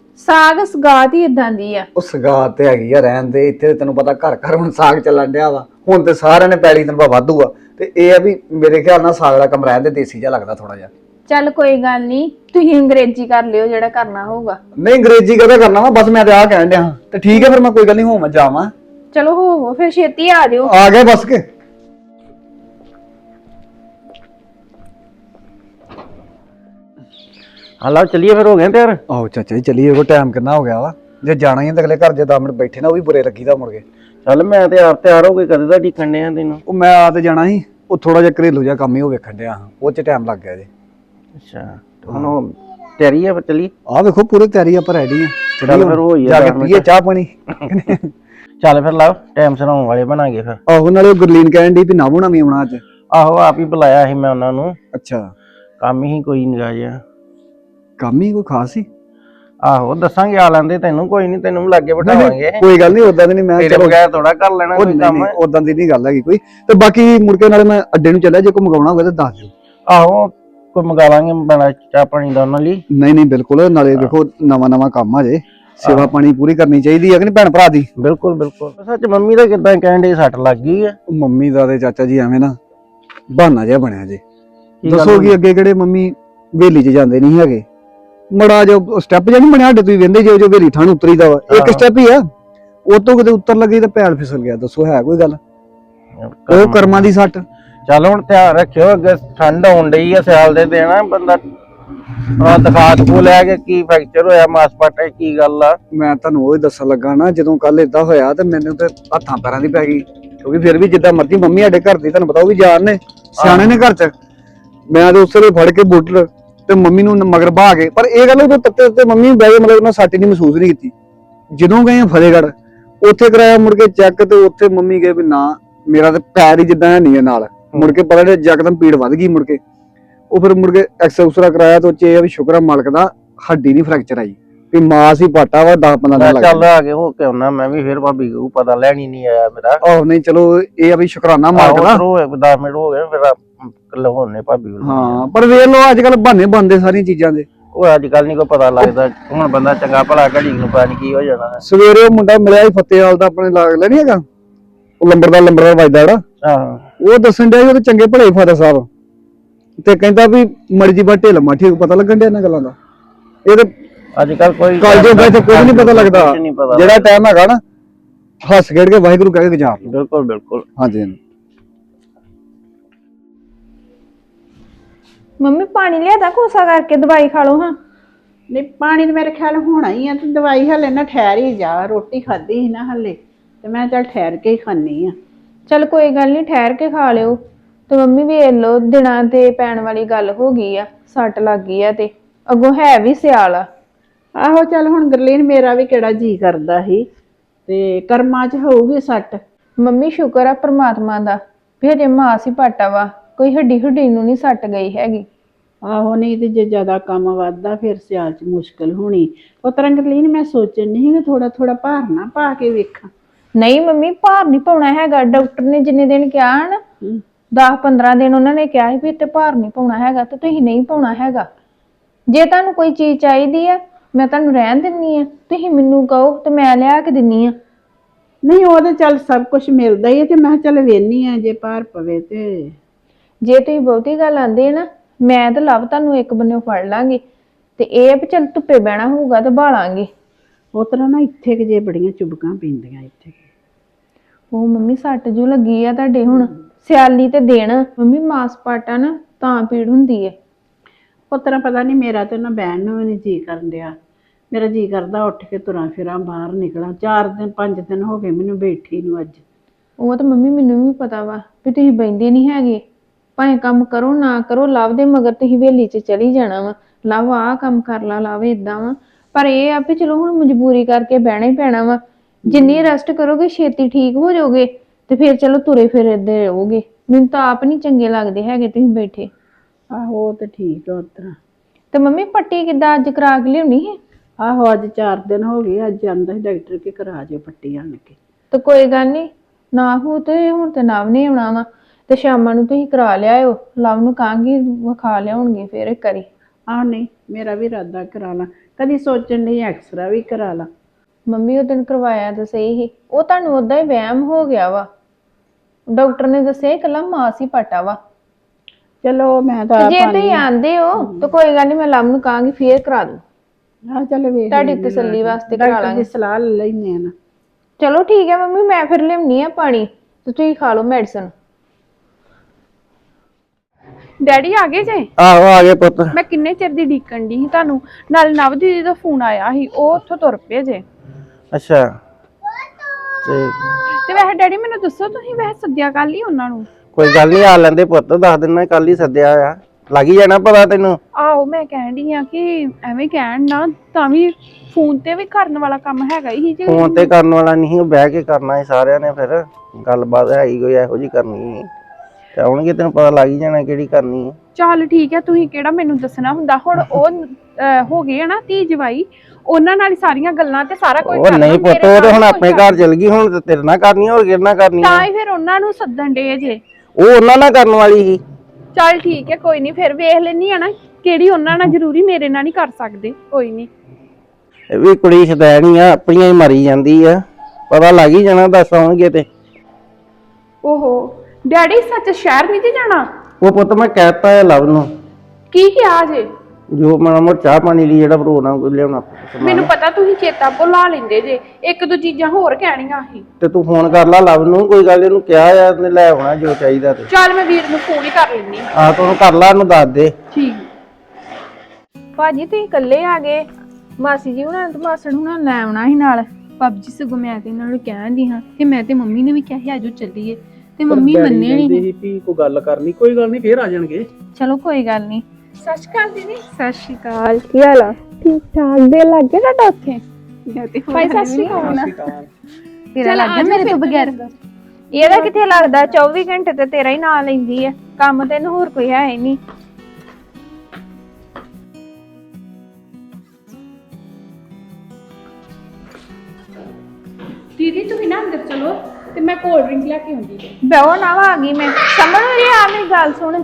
S1: ਸਾਗ ਸਗਾਤ ਹੀ ਇਦਾਂ ਦੀ ਆ।
S3: ਉਹ ਸਗਾਤ ਤੇ ਹੈਗੀ ਆ, ਰਹਿਣ ਦੇ। ਇੱਥੇ ਤੈਨੂੰ ਪਤਾ ਘਰ ਘਰ ਹੁਣ ਸਾਗ ਚੱਲਣ ਡਿਆ ਵਾ। ਹੁਣ ਤੇ ਸਾਰਿਆਂ ਨੇ ਪੈਲੀ ਤਨਖਾਹ ਵਾਧੂ ਆ, ਤੇ ਇਹ ਆ ਵੀ ਮੇਰੇ ਖਿਆਲ ਨਾਲ ਸਾਗ ਦਾ ਕੰਮ ਰਹਿਣ ਦੇ, ਦੇਸੀ ਜਿਹਾ ਲੱਗਦਾ ਥੋੜਾ ਜਿਹਾ।
S1: ਚੱਲ ਕੋਈ ਗੱਲ ਨਹੀਂ, ਤੁਸੀਂ ਅੰਗਰੇਜ਼ੀ ਕਰ ਲਿਓ ਜਿਹੜਾ ਕਰਨਾ ਹੋਊਗਾ।
S3: ਨਹੀਂ ਅੰਗਰੇਜ਼ੀ ਕਦਾ ਕਰਨਾ ਵਾ, ਬਸ ਮੈਂ ਤੇ ਆਹ ਕਹਿਣ ਡਿਆ ਹਾਂ। ਤੇ ਠੀਕ ਹੈ ਫਿਰ, ਮੈਂ ਕੋਈ ਗੱਲ ਨਹੀਂ ਹੋਵਾਂ ਜਾਵਾਂ।
S1: ਚਲੋ ਹੋਵੋ ਫਿਰ, ਛੇਤੀ ਆ ਜਿਓ।
S3: ਆ ਗਏ ਬਸ ਕੇ।
S4: ਹਲਾ ਚੱਲੀਏ ਫਿਰ, ਹੋ ਗਏ ਤਿਆਰ?
S3: ਆਹੋ ਚਾਚਾ ਜੀ ਚੱਲੀਏ, ਕੋ ਟਾਈਮ ਕਿੰਨਾ ਹੋ ਗਿਆ ਵਾ। ਜੇ ਜਾਣਾ ਹੀ ਅਗਲੇ ਘਰ ਜੇ ਦਸ ਮਿੰਟ ਬੈਠੇ ਨਾ, ਉਹ ਵੀ ਬੁਰੇ ਲੱਗੀਦਾ ਮੁੜ ਕੇ।
S4: ਚੱਲ ਮੈਂ ਤੇ ਆਪ ਤਿਆਰ ਹੋ ਕੇ ਕਦੇ ਦਾ ਢੀਕਣ ਡਿਆ ਤੈਨੂੰ।
S3: ਉਹ ਮੈਂ ਆ ਤੇ ਜਾਣਾ ਸੀ, ਉਹ ਥੋੜਾ ਜਿਹਾ ਘਰੇਲੂ ਜਿਹਾ ਕੰਮ ਹੀ ਉਹ ਵੇਖਣ ਡਿਆ ਹਾਂ, ਉਹ ਚ ਟਾਈਮ ਲੱਗ ਗਿਆ ਜੇ।
S4: ਅੱਛਾ, ਹੁਣ ਤਿਆਰੀ ਆ, ਚੱਲੀ?
S3: ਆਹ ਵੇਖੋ ਪੂਰੀ ਤਿਆਰੀ ਆਪਾਂ ਰੈਡੀ ਆ।
S4: ਚੱਲ ਫਿਰ ਹੋਈ ਆ,
S3: ਜਾ ਕੇ ਪੀਏ ਚਾਹ ਪਾਣੀ।
S4: ਚੱਲ ਫਿਰ ਲਾ, ਟਾਈਮ ਸਿਰ ਆਉਣ ਵਾਲੇ ਬਣਾਂਗੇ ਫਿਰ।
S3: ਆਹੋ, ਨਾਲੇ ਉਹ ਗੁਰਲੀਨ ਕਹਿਣ ਡਈ ਵੀ ਨਾ ਹੋਣਾ ਵੀ ਆਉਣਾ ਅੱਜ।
S5: ਆਹੋ ਆਪ ਹੀ ਬੁਲਾਇਆ ਸੀ ਮੈਂ ਉਹਨਾਂ ਨੂੰ,
S3: ਅੱਛਾ,
S5: ਕੰਮ ਹੀ ਕੋਈ ਨਿਗਾ ਜਿਹਾ।
S3: ਕੰਮ ਹੀ ਕੋਈ ਖਾਸ ਸੀ?
S5: ਆਹੋ ਦੱਸਾਂਗੇ, ਆ ਲੈਂਦੇ ਤੈਨੂੰ, ਕੋਈ ਨਹੀਂ ਤੈਨੂੰ ਲਾਗੇ ਬਿਠਾਵਾਂਗੇ।
S3: ਕੋਈ ਗੱਲ ਨਹੀਂ, ਉਦਾਂ ਦੀ ਨਹੀਂ, ਮੈਂ
S5: ਤੇਰੇ ਬਗੈਰ ਥੋੜਾ ਕਰ ਲੈਣਾ
S3: ਉਹ
S5: ਕੋਈ
S3: ਨਹੀਂ
S5: ਕੰਮ।
S3: ਨਹੀਂ, ਉਦਾਂ ਦੀ ਨਹੀਂ ਗੱਲ ਹੈਗੀ ਕੋਈ। ਤੇ ਬਾਕੀ ਮੁੜ ਕੇ ਨਾਲੇ ਮੈਂ ਅੱਡੇ ਨੂੰ ਚੱਲਿਆ, ਜੇ ਕੋਈ ਮੰਗਾਉਣਾ ਹੋਵੇ ਤਾਂ ਦੱਸ ਦਿਓ।
S5: ਆਹੋ ਕੋਈ ਮੰਗਾ ਲਾਂਗੇ ਬਣਾ ਚਾਹ ਪਾਣੀ ਦਾ ਉਹਨਾਂ ਲਈ।
S3: ਨਹੀਂ ਨਹੀਂ ਬਿਲਕੁਲ, ਨਾਲੇ ਵੇਖੋ ਨਵਾਂ ਨਵਾਂ ਕੰਮ ਆ ਜੇ, ਸੇਵਾ ਪਾਣੀ ਪੂਰੀ ਕਰਨੀ ਚਾਹੀਦੀ ਹੈ ਕਿ ਨਹੀਂ ਭੈਣ ਭਰਾ ਦੀ।
S5: ਬਿਲਕੁਲ ਬਿਲਕੁਲ। ਸੱਚ ਮੰਮੀ ਦਾ ਕਿੱਦਾਂ ਕਹਿਣ ਦੇ ਸੱਟ ਲੱਗ ਗਈ ਆ?
S3: ਉਹ ਮੰਮੀ ਦਾ ਤੇ ਚਾਚਾ ਜੀ ਐਵੇਂ ਨਾ ਬਹਾਨਾ ਜਿਹਾ ਬਣਿਆ ਜੇ।
S5: ਕੀ ਗੱਲ
S3: ਦੱਸੋ
S5: ਹੋਈ?
S3: ਕਿ ਅੱਗੇ ਕਿਹੜੇ ਮੰਮੀ ਵੇਲੀ 'ਚ ਜਾਂਦੇ ਨਹੀਂ ਹੈਗੇ, ਮੜਾ ਜੋ ਸਟੈਪ ਜਿਹਾ ਨਹੀਂ ਬਣਿਆ ਸਾਡੇ, ਤੁਸੀਂ ਵਹਿੰਦੇ ਜੋ ਜੋ ਵੇਲੀ ਠਾਣ ਉਤਰੀਦਾ ਵਾ, ਇੱਕ ਸਟੈਪ ਹੀ ਆ, ਉਹ ਤੋਂ ਕਿਤੇ ਉੱਤਰ ਲੱਗੀ ਤਾਂ ਪੈਰ ਫਿਸਲ ਗਿਆ। ਦੱਸੋ ਹੈ ਕੋਈ ਗੱਲ? ਉਹ ਕਰਮਾਂ ਦੀ ਸੱਟ।
S5: ਚੱਲ ਹੁਣ ਧਿਆਨ ਰੱਖਿਓ, ਅੱਗੇ ਠੰਡ ਆਉਣ ਡਈ ਆ, ਸਿਆਲ ਦੇ ਦਿਨ ਬੰਦਾ ਆ ਦਿਖਾ ਦਖੂ ਲੈ ਕੇ ਕੀ ਫ੍ਰੈਕਚਰ ਹੋਇਆ ਮਾਸ ਪਾਟੇ, ਕੀ ਗੱਲ ਆ?
S3: ਮੈਂ ਤੁਹਾਨੂੰ ਉਹ ਹੀ ਦੱਸਣ ਲੱਗਾ ਨਾ, ਜਦੋਂ ਕੱਲ ਏਦਾਂ ਹੋਇਆ ਤੇ ਮੈਨੂੰ ਤੇ ਹੱਥਾਂ ਪੈਰਾਂ ਦੀ ਪੈ ਗਈ, ਕਿਉਂਕਿ ਫਿਰ ਵੀ ਜਿੱਦਾਂ ਮਰਜ਼ੀ ਮੰਮੀ ਸਾਡੇ ਘਰ ਦੀ, ਤੁਹਾਨੂੰ ਪਤਾ ਉਹ ਵੀ ਜਾਣ ਨੇ, ਸਿਆਣੇ ਨੇ ਘਰ 'ਚ। ਮੈਂ ਤੇ ਉਸੇ ਵੇਲੇ ਫੜ ਕੇ ਬੁੱਟ ਤੇ ਮੰਮੀ ਨੂੰ ਮਗਰ ਬਹਾ ਕੇ, ਪਰ ਇਹ ਗੱਲ ਉਹ ਤੱਤੇ ਉੱਤੇ ਮੰਮੀ ਬਹਿ ਕੇ, ਮਤਲਬ ਉਹਨਾਂ ਸੱਟ ਨਹੀਂ ਮਹਿਸੂਸ ਨਹੀਂ ਕੀਤੀ। ਜਦੋਂ ਗਏ ਫਤਿਹਗੜ੍ਹ ਉੱਥੇ ਕਰਾਇਆ, ਮੁੜ ਕੇ ਚੈੱਕ, ਤੇ ਉੱਥੇ ਮੰਮੀ ਕਹੇ ਵੀ ਨਾ, ਮੇਰਾ ਤੇ ਪੈਰ ਹੀ ਜਿੱਦਾਂ ਹੈ ਨਹੀਂ ਨਾਲ। ਮੁੜ ਕੇ ਪਤਾ ਨਹੀਂ ਜਕਦਮ ਪੀੜ ਵੱਧ ਗਈ, ਮੁੜ ਕੇ ਉਹ ਫਿਰ ਮੁੜ ਕੇ ਐਕਸਰਾ ਕਰਾਇਆ ਤੇ ਉਹ 'ਚ ਇਹ ਆ ਵੀ ਸ਼ੁਕਰ ਆ ਮਾਲਕ ਦਾ, ਹੱਡੀ ਨਹੀਂ ਫ੍ਰੈਕਚਰ ਆਈ, ਵੀ ਮਾਸ ਹੀ ਪਾਟਾ ਵਾ, ਦਸ ਪੰਦਰਾਂ ਦਿਨ ਲੱਗ
S5: ਚੱਲ ਆ ਕੇ ਹੋ ਕੇ ਆਉਣਾ ਮੈਂ ਵੀ, ਫਿਰ ਭਾਬੀ ਕੋ ਪਤਾ ਲੈਣੀ ਨਹੀਂ ਆਇਆ ਮੇਰਾ।
S3: ਆਹੋ ਨਹੀਂ ਚਲੋ ਇਹ ਆ ਵੀ ਸ਼ੁਕਰਾਨਾ ਮਾਲਕ ਦਾ।
S5: ਦਸ ਮਿੰਟ ਹੋ ਗਏ ਫਿਰ ਲਵਾਉਣੇ ਭਾਬੀ ਕੋਲ।
S3: ਹਾਂ ਪਰ ਵੇਖ ਲਓ ਅੱਜ ਕੱਲ ਬਹਾਨੇ ਬਣਦੇ ਸਾਰੀਆਂ ਚੀਜ਼ਾਂ ਦੇ।
S5: ਉਹ ਅੱਜ ਕੱਲ ਨਹੀਂ ਕੋਈ ਪਤਾ ਲੱਗਦਾ, ਹੁਣ ਬੰਦਾ ਚੰਗਾ ਭਲਾ ਘੜੀ ਨੂੰ ਪਤਾ ਨੀ ਕੀ ਹੋ ਜਾਣਾ।
S3: ਸਵੇਰੇ ਉਹ ਮੁੰਡਾ ਮਿਲਿਆ ਸੀ ਫਤਿਹਵਾਲ ਦਾ, ਆਪਣੇ ਲਾਗ ਲੈ ਨੀ ਹੈਗਾ ਉਹ ਲੰਬੜਦਾਰ ਲੰਬੜਦਾਰ ਵੱਜਦਾ ਜਿਹੜਾ,
S5: ਆਹੋ
S3: ਉਹ ਦੱਸਣ ਡਿਆ ਸੀ ਉਹਦੇ ਚੰਗੇ ਭਲੇ ਫਾਦਰ ਸਾਹਿਬ, ਤੇ ਕਹਿੰਦਾ ਵੀ ਮਰਜੀ ਬਾ ਢਿੱਲ ਮਾ ਠੀਕ ਪਤਾ ਲੱਗਣ ਡਿਆ ਇਹਨਾਂ ਗੱਲਾਂ ਦਾ। ਇਹ ਤੇ
S5: ਅੱਜ ਕੱਲ ਕੋਈ
S3: ਕਾਲਜੋਂ ਬੈ ਤੇ ਕੁਝ ਨਹੀਂ ਪਤਾ ਲੱਗਦਾ, ਜਿਹੜਾ ਟਾਈਮ ਹੈਗਾ ਨਾ ਹੱਸ ਖੇਡ ਕੇ ਵਾਹਿਗੁਰੂ ਕਹਿ ਕੇ ਗੁਜ਼ਾਰ ਲਓ।
S5: ਬਿਲਕੁਲ ਬਿਲਕੁਲ।
S3: ਹਾਂਜੀ
S2: ਮੰਮੀ ਪਾਣੀ ਲਿਆਦਾ ਕੋਸਾ ਕਰਕੇ, ਦਵਾਈ ਖਾ ਲਓ ਹਾਂ।
S6: ਨਹੀਂ ਪਾਣੀ ਤੇ ਮੇਰੇ ਖਿਆਲ ਹੋਣਾ ਹੀ ਆ, ਤੇ ਦਵਾਈ ਹਲੇ ਨਾ ਠਹਿਰ ਹੀ ਜਾ, ਰੋਟੀ ਖਾਧੀ ਸੀ ਨਾ ਹਲੇ, ਤੇ ਮੈਂ ਚੱਲ ਠਹਿਰ ਕੇ ਹੀ ਖਾਣੀ ਆ।
S2: ਚਲ ਕੋਈ ਗੱਲ ਨਹੀਂ, ਠਹਿਰ ਕੇ ਖਾ ਲਿਓ। ਤੇ ਮੰਮੀ ਵੇਖ ਲਓ, ਦਿਨਾਂ ਤੇ ਪੈਣ ਵਾਲੀ ਗੱਲ ਹੋ ਗਈ ਆ, ਸੱਟ ਲੱਗ ਗਈ ਆ, ਤੇ ਅੱਗੋਂ ਹੈ ਵੀ ਸਿਆਲ ਆ।
S6: ਆਹੋ ਚੱਲ ਹੁਣ ਗਰਲੀਨ ਮੇਰਾ ਵੀ ਕਿਹੜਾ ਜੀ ਕਰਦਾ ਸੀ, ਤੇ ਕਰਮਾਂ 'ਚ ਹੋਊਗੀ ਸੱਟ।
S2: ਮੰਮੀ ਸ਼ੁਕਰ ਆ ਪ੍ਰਮਾਤਮਾ ਦਾ ਵੀ ਹਜੇ ਮਾਸ ਹੀ ਪਾਟਾ ਵਾ, ਕੋਈ ਹੱਡੀ ਹੁੱਡੀ ਨੂੰ ਨਹੀਂ ਸੱਟ ਗਈ ਹੈਗੀ।
S6: ਆਹੋ ਨਹੀਂ ਤੇ ਜੇ ਜ਼ਿਆਦਾ ਕੰਮ ਵੱਧਦਾ ਫਿਰ ਸਿਆਲ 'ਚ ਮੁਸ਼ਕਲ ਹੋਣੀ। ਉਹ ਤਰ੍ਹਾਂ ਗਰਲੀਨ ਮੈਂ ਸੋਚਣ ਨਹੀਂ ਕਿ ਥੋੜਾ ਥੋੜਾ ਭਾਰ ਨਾ ਪਾ ਕੇ ਵੇਖਾਂ।
S2: ਨਹੀਂ ਮੰਮੀ ਭਾਰ ਨਹੀਂ ਪਾਉਣਾ ਹੈਗਾ, ਡਾਕਟਰ ਨੇ ਜਿੰਨੇ ਦਿਨ ਕਿਹਾ ਨਾ, ਦਸ ਪੰਦਰਾਂ ਦਿਨ ਉਹਨਾਂ ਨੇ ਕਿਹਾ ਸੀ ਵੀ ਇੱਥੇ ਭਾਰ ਨਹੀਂ ਪਾਉਣਾ ਹੈਗਾ, ਤੇ ਤੁਸੀਂ ਨਹੀਂ ਪਾਉਣਾ ਹੈਗਾ। ਜੇ ਤੁਹਾਨੂੰ ਕੋਈ ਚੀਜ਼ ਚਾਹੀਦੀ ਆ ਮੈਂ ਤੁਹਾਨੂੰ ਰਹਿਣ ਦਿੰਨੀ ਆ, ਤੁਸੀਂ ਮੈਨੂੰ ਕਹੋ ਤੇ ਮੈਂ ਲਿਆ ਕੇ ਦਿੰਨੀ ਆ।
S6: ਨਹੀਂ ਉਹ ਤੇ ਚੱਲ ਸਭ ਕੁਝ ਮਿਲਦਾ ਹੀ ਹੈ, ਤੇ ਮੈਂ ਚੱਲ ਵੇਖਨੀ ਆ ਜੇ ਭਾਰ ਪਵੇ ਤੇ।
S2: ਜੇ ਤੁਸੀਂ ਬਹੁਤੀ ਗੱਲ ਆਂਦੇ ਨਾ, ਮੈਂ ਤੇ ਲਵ ਤੁਹਾਨੂੰ ਇੱਕ ਬੰਨਿਓ ਫੜ ਲਾਂਗੇ, ਤੇ ਇਹ ਵੀ ਚੱਲ ਧੁੱਪੇ ਬਹਿਣਾ ਹੋਊਗਾ ਤੇ ਬਾਲਾਂਗੇ।
S6: ਉਹ ਤਰ੍ਹਾਂ ਨਾ ਇੱਥੇ ਕਿ ਜੇ ਬੜੀਆਂ ਚੁਬਕਾਂ ਪੈਂਦੀਆਂ ਇੱਥੇ।
S2: ਉਹ ਮੰਮੀ ਸੱਟ ਜੋ ਲੱਗੀ ਆ ਤੁਹਾਡੇ, ਹੁਣ ਸਿਆਲੀ ਤੇ ਦੇਣ ਮੰਮੀ ਮਾਸ ਪਾਟਾ ਨਾ ਤਾਂ ਪੀੜ ਹੁੰਦੀ ਹੈ।
S6: ਉਹ ਤਰ੍ਹਾਂ ਪਤਾ ਨਹੀਂ, ਮੇਰਾ ਤੇ ਨਾ ਬਹਿਣ ਨੂੰ ਵੀ ਨਹੀਂ ਜੀ ਕਰਨ ਡਿਆ, ਮੇਰਾ ਜੀ ਕਰਦਾ ਉੱਠ ਕੇ ਤੁਰਾਂ ਫਿਰਾਂ ਬਾਹਰ ਨਿਕਲਾਂ। ਚਾਰ ਦਿਨ ਪੰਜ ਦਿਨ ਹੋ ਗਏ ਮੈਨੂੰ ਬੈਠੀ ਨੂੰ ਅੱਜ।
S2: ਉਹ ਤਾਂ ਮੰਮੀ ਮੈਨੂੰ ਵੀ ਪਤਾ ਵਾ ਵੀ ਤੁਸੀਂ ਬੈਂਦੇ ਨਹੀਂ ਹੈਗੇ, ਭਾਵੇਂ ਕੰਮ ਕਰੋ ਨਾ ਕਰੋ, ਲਵ ਦੇ ਮਗਰ ਤੁਸੀਂ ਹਵੇਲੀ 'ਚ ਚਲੀ ਜਾਣਾ ਵਾ, ਲਵ ਆਹ ਕੰਮ ਕਰ ਲਾ, ਲਵ ਏਦਾਂ ਵਾ। ਪਰ ਇਹ ਆ ਵੀ ਚਲੋ ਹੁਣ ਮਜਬੂਰੀ ਕਰਕੇ ਬਹਿਣਾ ਹੀ ਪੈਣਾ ਵਾ। ਜਿੰਨੀ ਰੈਸਟ ਕਰੋਗੇ ਛੇਤੀ ਠੀਕ ਹੋ ਜਾਓਗੇ, ਤੇ ਫਿਰ ਚਲੋ ਤੁਰੇ ਫਿਰਦੇ ਰਹੋਗੇ। ਮੈਨੂੰ ਤਾਂ ਆਪ ਨਹੀਂ ਚੰਗੇ ਲੱਗਦੇ ਹੈਗੇ ਤੁਸੀਂ ਬੈਠੇ।
S6: ਆਹੋ ਉਹ ਤੇ ਠੀਕ ਆ ਉਸ ਤਰ੍ਹਾਂ।
S2: ਤੇ ਮੰਮੀ ਪੱਟੀ ਕਿੱਦਾਂ ਅੱਜ ਕਰਾ ਕੇ ਲਿਆਉਣੀ ਹੈ?
S6: ਆਹੋ ਅੱਜ ਚਾਰ ਦਿਨ ਹੋ ਗਏ, ਅੱਜ ਆਂਦਾ ਸੀ ਡਾਕਟਰ ਕਿ ਕਰਾ ਜਿਓ ਪੱਟੀ ਆਣ ਕੇ।
S2: ਤੇ ਕੋਈ ਗੱਲ ਨਹੀਂ, ਨਾ ਹੋ ਤੇ ਹੁਣ ਤੇ ਨਵ ਨੇ ਆਉਣਾ ਵਾ, ਤੇ ਸ਼ਾਮਾਂ ਨੂੰ ਤੁਸੀਂ ਕਰਾ ਲਿਆਇਓ, ਲਵ ਨੂੰ ਕਹਾਂਗੀ ਵਿਖਾ ਲਿਆਉਣਗੇ ਫਿਰ ਇੱਕ ਵਾਰੀ।
S6: ਆਹ ਨਹੀਂ ਮੇਰਾ ਵੀ ਇਰਾਦਾ ਕਰਾ ਲਾ, ਕਦੀ ਸੋਚਣ ਨਹੀਂ ਐਕਸਰਾ ਵੀ ਕਰਾ ਲਾ।
S2: ਮੰਮੀ ਉਹ ਦਿਨ ਕਰਵਾਇਆ ਤਾਂ ਸਹੀ ਸੀ, ਉਹ ਤੁਹਾਨੂੰ ਓਦਾਂ ਹੀ ਵਹਿਮ ਹੋ ਗਿਆ ਵਾ। ਡਾਕਟਰ ਨੇ ਦੱਸਿਆ ਇਕੱਲਾ ਮਾਸ ਹੀ ਪਾਟਾ ਵਾ।
S6: ਚਲੋ ਮੈਂ ਤਾਂ
S2: ਜੇ ਤੁਸੀਂ ਆਂਦੇ ਹੋ ਤਾਂ ਕੋਈ ਗੱਲ ਨਹੀਂ, ਮੈਂ ਲਵ ਨੂੰ ਕਹਾਂਗੀ ਫੇਰ ਕਰਾ ਦੂੰ।
S6: ਆਹ ਚੱਲ ਵੇਖ
S2: ਤੁਹਾਡੀ ਤਸੱਲੀ ਵਾਸਤੇ ਕਰਾ
S6: ਡਾਕਟਰ
S2: ਲਾਂਗੇ।
S6: ਦੀ ਸਲਾਹ ਲੈ ਲੈਨੇ ਆ ਨਾ।
S2: ਚਲੋ ਠੀਕ ਹੈ ਮੰਮੀ, ਮੈਂ ਫਿਰ ਲਿਆਉਣੀ ਆ ਪਾਣੀ, ਤੇ ਤੁਸੀਂ ਖਾ ਲਓ ਮੈਡੀਸਨ।
S7: ਡੈਡੀ ਆ ਗਏ ਜੇ?
S5: ਆਹੋ ਆ ਗਏ ਪੁੱਤ।
S7: ਮੈਂ ਕਿੰਨੇ ਚਿਰ ਦੀ ਡੀਕਣ ਦੀ ਸੀ ਤੁਹਾਨੂੰ, ਨਾਲ ਨਵ ਦੀਦੀ ਦਾ ਫੋਨ ਆਇਆ ਸੀ, ਉਹ ਉੱਥੋਂ ਤੁਰ ਪਏ ਜੇ।
S5: ਅੱਛਾ ਤੇ
S7: ਤੇ ਵੈਸੇ ਡੈਡੀ ਮੈਨੂੰ ਦੱਸੋ, ਤੁਸੀਂ ਵੈਸੇ ਸੱਦਿਆ ਕੱਲ ਹੀ ਉਹਨਾਂ ਨੂੰ?
S5: ਕੋਈ ਗੱਲ ਨਹੀਂ, ਆ ਲੈਂਦੇ ਪੁੱਤ, ਦੱਸ ਦਿਨ ਕੱਲ ਹੀ ਸੱਦਿਆ ਆ, ਲੱਗ ਹੀ ਜਾਣਾ ਪਤਾ ਤੈਨੂੰ।
S7: ਆਹੋ ਮੈਂ ਕਹਿਣ ਡਈ ਆ ਕਿ ਐਵੇਂ ਕਹਿਣ ਨਾ, ਤਾਂ ਵੀ ਫੋਨ ਤੇ ਵੀ ਕਰਨ ਵਾਲਾ ਕੰਮ ਹੈਗਾ ਹੀ ਜੀ।
S5: ਫੋਨ ਤੇ ਕਰਨ ਵਾਲਾ ਨਹੀਂ, ਬਹਿ ਕੇ ਕਰਨਾ ਸੀ ਸਾਰਿਆਂ ਨੇ, ਫਿਰ ਗੱਲਬਾਤ ਹੈ ਹੀ ਕੋਈ ਇਹੋ ਜਿਹੀ ਕਰਨੀ। ਤੇ ਆਉਣਗੇ ਤੈਨੂੰ ਪਤਾ ਲੱਗ ਹੀ ਜਾਣਾ ਕਿਹੜੀ ਕਰਨੀ ਹੈ।
S7: ਚੱਲ ਠੀਕ ਹੈ, ਤੁਸੀਂ ਕਿਹੜਾ ਮੈਨੂੰ ਦੱਸਣਾ ਹੁੰਦਾ। ਹੁਣ ਉਹ ਅਹ, ਹੋ ਗਏ ਆ ਨਾ ਧੀ ਜਵਾਈ, ਉਹਨਾਂ ਨਾਲ ਹੀ ਸਾਰੀਆਂ ਗੱਲਾਂ ਤੇ ਸਾਰਾ ਕੁਝ
S5: ਉਹ ਨਹੀਂ ਪੁੱਤ, ਉਹ ਤੇ ਹੁਣ ਆਪਣੇ ਘਰ ਚਲ ਗਈ, ਹੁਣ ਤੇ ਤੇਰੇ ਨਾਲ ਕਰਨੀ ਹੋਰ ਕਿਹਦੇ ਨਾਲ ਕਰਨੀ
S7: ਤਾਂ
S5: ਆ?
S7: ਹੀ ਫਿਰ ਉਹਨਾਂ ਨੂੰ ਸੱਦਣ ਡੇ ਜੇ।
S5: ਉਹ ਉਹਨਾਂ ਨਾਲ ਕਰਨ ਵਾਲੀ ਸੀ।
S7: ਚੱਲ ਠੀਕ ਹੈ, ਕੋਈ ਨਹੀਂ, ਫਿਰ ਵੇਖ ਲੈਣੀ ਆ ਨਾ ਕਿਹੜੀ ਉਹਨਾਂ ਨਾਲ ਜ਼ਰੂਰੀ ਮੇਰੇ ਨਾਲ ਨਹੀਂ ਕਰ ਸਕਦੇ। ਕੋਈ ਨਹੀਂ,
S5: ਇਹ ਵੀ ਕੁੜੀ ਸ਼ਦੈਣੀ ਆ, ਆਪਣੀਆਂ ਹੀ ਮਰੀ ਜਾਂਦੀ ਆ, ਪਤਾ ਲੱਗ ਹੀ ਜਾਣਾ ਦੱਸ ਆਉਣਗੇ ਤੇ।
S7: ਓਹੋ ਡੈਡੀ ਸੱਚ ਸ਼ਹਿਰ ਨਹੀਂ ਤੇ ਜਾਣਾ?
S5: ਉਹ ਪੁੱਤ ਮੈਂ ਕਹਿਤਾ ਹੈ ਲਵ ਨੂੰ,
S7: ਕੀ ਕਿਹਾ ਜੇ?
S5: ਜੋ ਮਾੜਾ ਮੋਟਾ ਚਾਹ ਪਾਣੀ ਲਈ ਜਿਹੜਾ ਪ੍ਰੋਗਰਾਮ ਕੋਈ ਲਿਆਉਣਾ ਸਮਾਨ।
S7: ਮੈਨੂੰ ਪਤਾ ਤੁਸੀਂ ਚੇਤਾ ਭੁਲਾ ਲੈਂਦੇ ਜੇ, ਇੱਕ ਦੋ ਚੀਜ਼ਾਂ ਹੋਰ ਕਹਿਣੀਆਂ ਸੀ।
S5: ਤੇ ਤੂੰ ਫੋਨ ਕਰ ਲਾ ਲਵ ਨੂੰ, ਕੋਈ ਗੱਲ ਇਹਨੂੰ ਕਿਹਾ ਆ ਉਹਨੇ ਲੈ ਆਉਣਾ ਜੋ ਚਾਹੀਦਾ ਤੇ।
S7: ਚੱਲ ਮੈਂ ਵੀਰ ਨੂੰ ਫੋਨ ਹੀ ਕਰ ਲੈਂਦੀ।
S5: ਆਹ ਤੂੰ ਉਹਨੂੰ ਕਰ ਲਾ, ਉਹਨੂੰ ਦੱਸ ਦੇ।
S7: ਠੀਕ।
S2: ਭਾਜੀ ਤੁਸੀਂ ਇਕੱਲੇ ਆ ਗਏ? ਮਾਸੀ ਜੀ ਹੁਣਾਂ ਤੇ ਮਾਸੜ ਹੁਣਾਂ ਲੈ ਆਉਣਾ ਸੀ ਨਾਲ।
S1: ਪਬਜੀ ਸਗੋਂ ਮੈਂ ਤੇ ਇਹਨਾਂ ਨੂੰ ਕਹਿੰਦੀ ਹਾਂ ਤੇ ਮੈਂ ਤੇ ਮੰਮੀ ਨੇ ਵੀ ਕਿਹਾ ਸੀ ਆਜੋ ਚੱਲੀਏ, ਤੇ ਮੰਮੀ ਮੰਨੇ ਨਹੀਂ।
S4: ਵੀ ਕੋਈ ਗੱਲ ਕਰਨੀ, ਕੋਈ ਗੱਲ ਨਹੀਂ ਫੇਰ ਆ ਜਾਣਗੇ।
S2: ਚਲੋ ਕੋਈ ਗੱਲ ਨਹੀਂ।
S7: ਸਤਿ ਸ਼੍ਰੀ ਅਕਾਲ ਦੀਦੀ।
S2: ਸਤਿ ਸ਼੍ਰੀ ਅਕਾਲ, ਕੀ ਹਾਲ ਆ?
S7: ਠੀਕ ਠਾਕ ਦੇ ਲੱਗੇ ਤੁਹਾਡਾ ਉੱਥੇ? ਭਾਈ ਸਤਿ ਸ਼੍ਰੀ ਅਕਾਲ।
S2: ਤੇਰਾ ਲੱਗਦਾ ਮੇਰੇ ਤੋਂ ਬਗੈਰ? ਇਹਦਾ ਕਿੱਥੇ ਲੱਗਦਾ, ਚੌਵੀ ਘੰਟੇ ਤੇ ਤੇਰਾ ਹੀ ਨਾਂ ਲੈਂਦੀ ਆ, ਕੰਮ ਤੇ ਇਹਨੂੰ ਹੋਰ ਕੋਈ ਹੈ ਹੀ ਨਹੀਂ।
S7: ਦੀਦੀ ਤੁਸੀਂ ਨਾ ਅੰਦਰ ਚਲੋ ਤੇ ਮੈਂ ਕੋਲਡ ਡਰਿੰਕ ਲੈ ਕੇ ਆਉਂਦੀ ਹਾਂ।
S2: ਬਹਿਓ ਨਾ, ਆ ਗਈ ਮੈਂ। ਸਮਝ ਰਹੀ ਆ ਮੇਰੀ ਗੱਲ ਸੁਣ।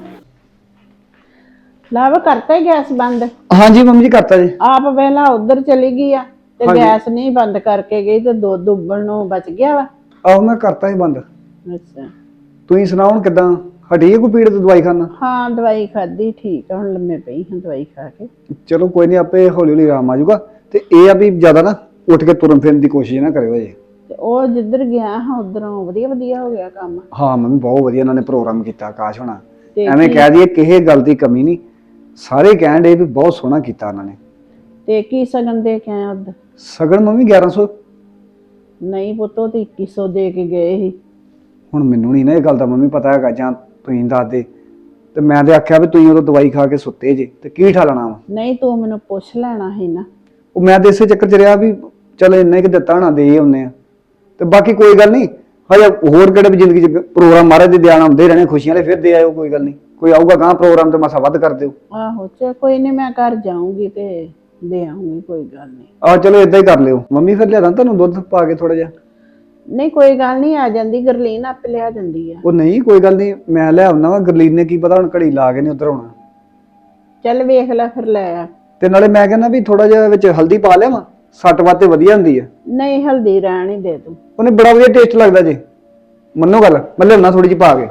S6: ਲਵ ਕਰਤਾ ਹੀ ਗੈਸ ਬੰਦ?
S3: ਹਾਂਜੀ ਮੰਮੀ ਜੀ ਕਰਤਾ ਜੀ।
S6: ਆਪ ਵੇਲਾ ਉਧਰ ਚਲੀ ਗਈ ਆ ਤੇ
S3: ਹਾਂਜੀ।
S6: ਗੈਸ ਨਹੀਂ ਬੰਦ ਕਰਕੇ ਗਈ ਤੇ ਦੁੱਧ ਉਬਲਣ ਨੂੰ ਬਚ ਗਿਆ ਵਾ।
S3: ਆਹੋ ਮੈਂ ਕਰਤਾ ਹੀ ਬੰਦ।
S6: ਅੱਛਾ,
S3: ਤੁਸੀਂ ਸੁਣਾਓ ਹੁਣ ਕਿਦਾਂ? ਹਟੀ ਹੈ ਕੋਈ ਪੀੜ ਤੋਂ ਦਵਾਈ ਖਾਣਾ?
S6: ਹਾਂ ਦਵਾਈ ਖਾਧੀ, ਠੀਕ ਆ, ਹੁਣ ਲੰਮੇ ਪਈ ਹਾਂ ਦਵਾਈ ਖਾ ਕੇ।
S3: ਚਲੋ ਕੋਈ ਨਹੀਂ, ਆਪੇ ਹੌਲੀ ਹੌਲੀ ਆਰਾਮ ਆ ਜਾਊਗਾ। ਤੇ ਇਹ ਆ ਵੀ ਜ਼ਿਆਦਾ ਨਾ ਉੱਠ ਕੇ ਤੁਰਨ ਫਿਰਨ ਦੀ ਕੋਸ਼ਿਸ਼ ਨਾ ਕਰਿਓ ਜੀ।
S6: ਤੇ ਉਹ ਜਿੱਧਰ ਗਿਆ ਹਾਂ ਉਧਰੋਂ ਵਧੀਆ ਵਧੀਆ ਹੋ ਗਿਆ ਕੰਮ।
S3: ਹਾਂ ਮੰਮੀ ਬਹੁਤ ਵਧੀਆ ਇਹਨਾਂ ਨੇ ਪ੍ਰੋਗਰਾਮ ਕੀਤਾ ਆਕਾਸ਼ ਹੋਣਾ।
S6: ਤੇ
S3: ਐਵੇਂ
S6: ਕੀ-
S3: ਕਹਿ ਦਈਏ ਕਿਸੇ ਗੱਲ ਦੀ ਕਮੀ ਨਹੀਂ, ਸਾਰੇ ਕਹਿਣ ਡੇ ਵੀ ਬਹੁਤ ਸੋਹਣਾ ਕੀਤਾ ਉਹਨਾਂ ਨੇ।
S6: ਤੇ ਕੀ ਸਗਨ ਦੇ ਕੇ ਆਇਆ ਉਧਰ?
S3: ਸਗਨ ਮੰਮੀ ਗਿਆਰਾਂ ਸੌ।
S6: ਨਹੀਂ ਪੁੱਤੋ ਤੇ ਇੱਕੀ ਸੌ ਦੇ ਕੇ ਗਏ ਸੀ।
S3: ਹੁਣ ਮੈਨੂੰ ਨਹੀਂ ਨਾ ਇਹ ਗੱਲ ਦਾ ਮੰਮੀ ਪਤਾ ਹੈਗਾ, ਜਾਂ ਤੁਸੀਂ ਦੱਸ ਦੇ। ਤੇ ਮੈਂ ਤੇ ਆਖਿਆ ਵੀ ਤੁਸੀਂ ਉਦੋਂ ਦਵਾਈ ਖਾ ਕੇ ਸੁੱਤੇ ਜੇ ਤੇ ਕੀ ਠਾਲਣਾ ਵਾ।
S6: ਨਹੀਂ ਤੂੰ ਮੈਨੂੰ ਪੁੱਛ ਲੈਣਾ ਸੀ ਨਾ।
S3: ਉਹ ਮੈਂ ਤੇ ਇਸੇ ਚੱਕਰ ਚ ਰਿਹਾ ਵੀ ਚਲ ਇੰਨਾ ਕਿ ਦਿੱਤਾ ਹੋਣਾ ਦੇ ਆਉਂਦੇ ਆ, ਤੇ ਬਾਕੀ ਕੋਈ ਗੱਲ ਨਹੀਂ। ਹਜੇ ਹੋਰ ਕਿਹੜੇ ਵੀ ਜ਼ਿੰਦਗੀ ਚ ਪ੍ਰੋਗਰਾਮ ਮਹਾਰਾਜ ਦੇ ਦਿਆਣ ਆਉਂਦੇ ਰਹਿਣੇ, ਖੁਸ਼ੀਆਂ ਵਾਲੇ ਫਿਰ ਦੇ ਆਇਓ, ਕੋਈ ਗੱਲ ਨਹੀਂ। ਕੋਈ ਆਊਗਾ ਗਾਂ ਪ੍ਰੋਗਰਾਮ ਤੇ ਮਸਾ ਵੱਧ ਕਰ ਦਿਓ।
S6: ਆਹੋ ਚਲ ਕੋਈ ਨਹੀਂ, ਮੈਂ ਘਰ ਜਾਊਂਗੀ ਤੇ ਦੇ ਆਉਂਗੀ, ਕੋਈ ਗੱਲ ਨਹੀਂ।
S3: ਆਹ ਚਲੋ ਏਦਾਂ ਹੀ ਕਰ ਲਿਓ ਮੰਮੀ, ਫਿਰ ਲਿਆਦਾ ਤੁਹਾਨੂੰ ਦੁੱਧ ਪਾ ਕੇ ਥੋੜਾ ਜਿਹਾ।
S6: ਨਹੀਂ ਕੋਈ ਗੱਲ ਨਹੀਂ, ਆ ਜਾਂਦੀ ਗਰਲੀਨ ਆਪੇ ਲਿਆ ਜਾਂਦੀ ਆ।
S3: ਉਹ ਨਹੀਂ ਕੋਈ ਗੱਲ ਨਹੀਂ, ਮੈਂ ਲੈ ਆਉਣਾ ਵਾ। ਗਰਲੀਨ ਨੇ ਕੀ ਪਤਾ ਹੁਣ ਘੜੀ ਲਾ ਕੇ ਨਹੀਂ ਉਧਰ ਆਉਣਾ।
S6: ਚੱਲ ਵੇਖ ਲੈ ਫਿਰ ਲੈ ਆ।
S3: ਤੇ ਨਾਲੇ ਮੈਂ ਕਹਿੰਦਾ ਵੀ ਥੋੜਾ ਜਿਹਾ ਵਿੱਚ ਹਲਦੀ ਪਾ ਲਿਆ ਵਾ, ਸੱਟ ਵਾਤੇ ਵਧੀਆ ਹੁੰਦੀ ਆ।
S6: ਨਹੀਂ ਹਲਦੀ ਰਹਿਣ ਹੀ ਦੇ ਤੂੰ।
S3: ਉਹਨੇ ਬੜਾ ਵਧੀਆ ਟੇਸਟ ਲੱਗਦਾ ਜੀ, ਮੰਨੋ ਗੱਲ। ਮੈਂ ਲਿਆਉਣਾ ਥੋੜੀ ਜਿਹੀ ਪਾ ਕੇ।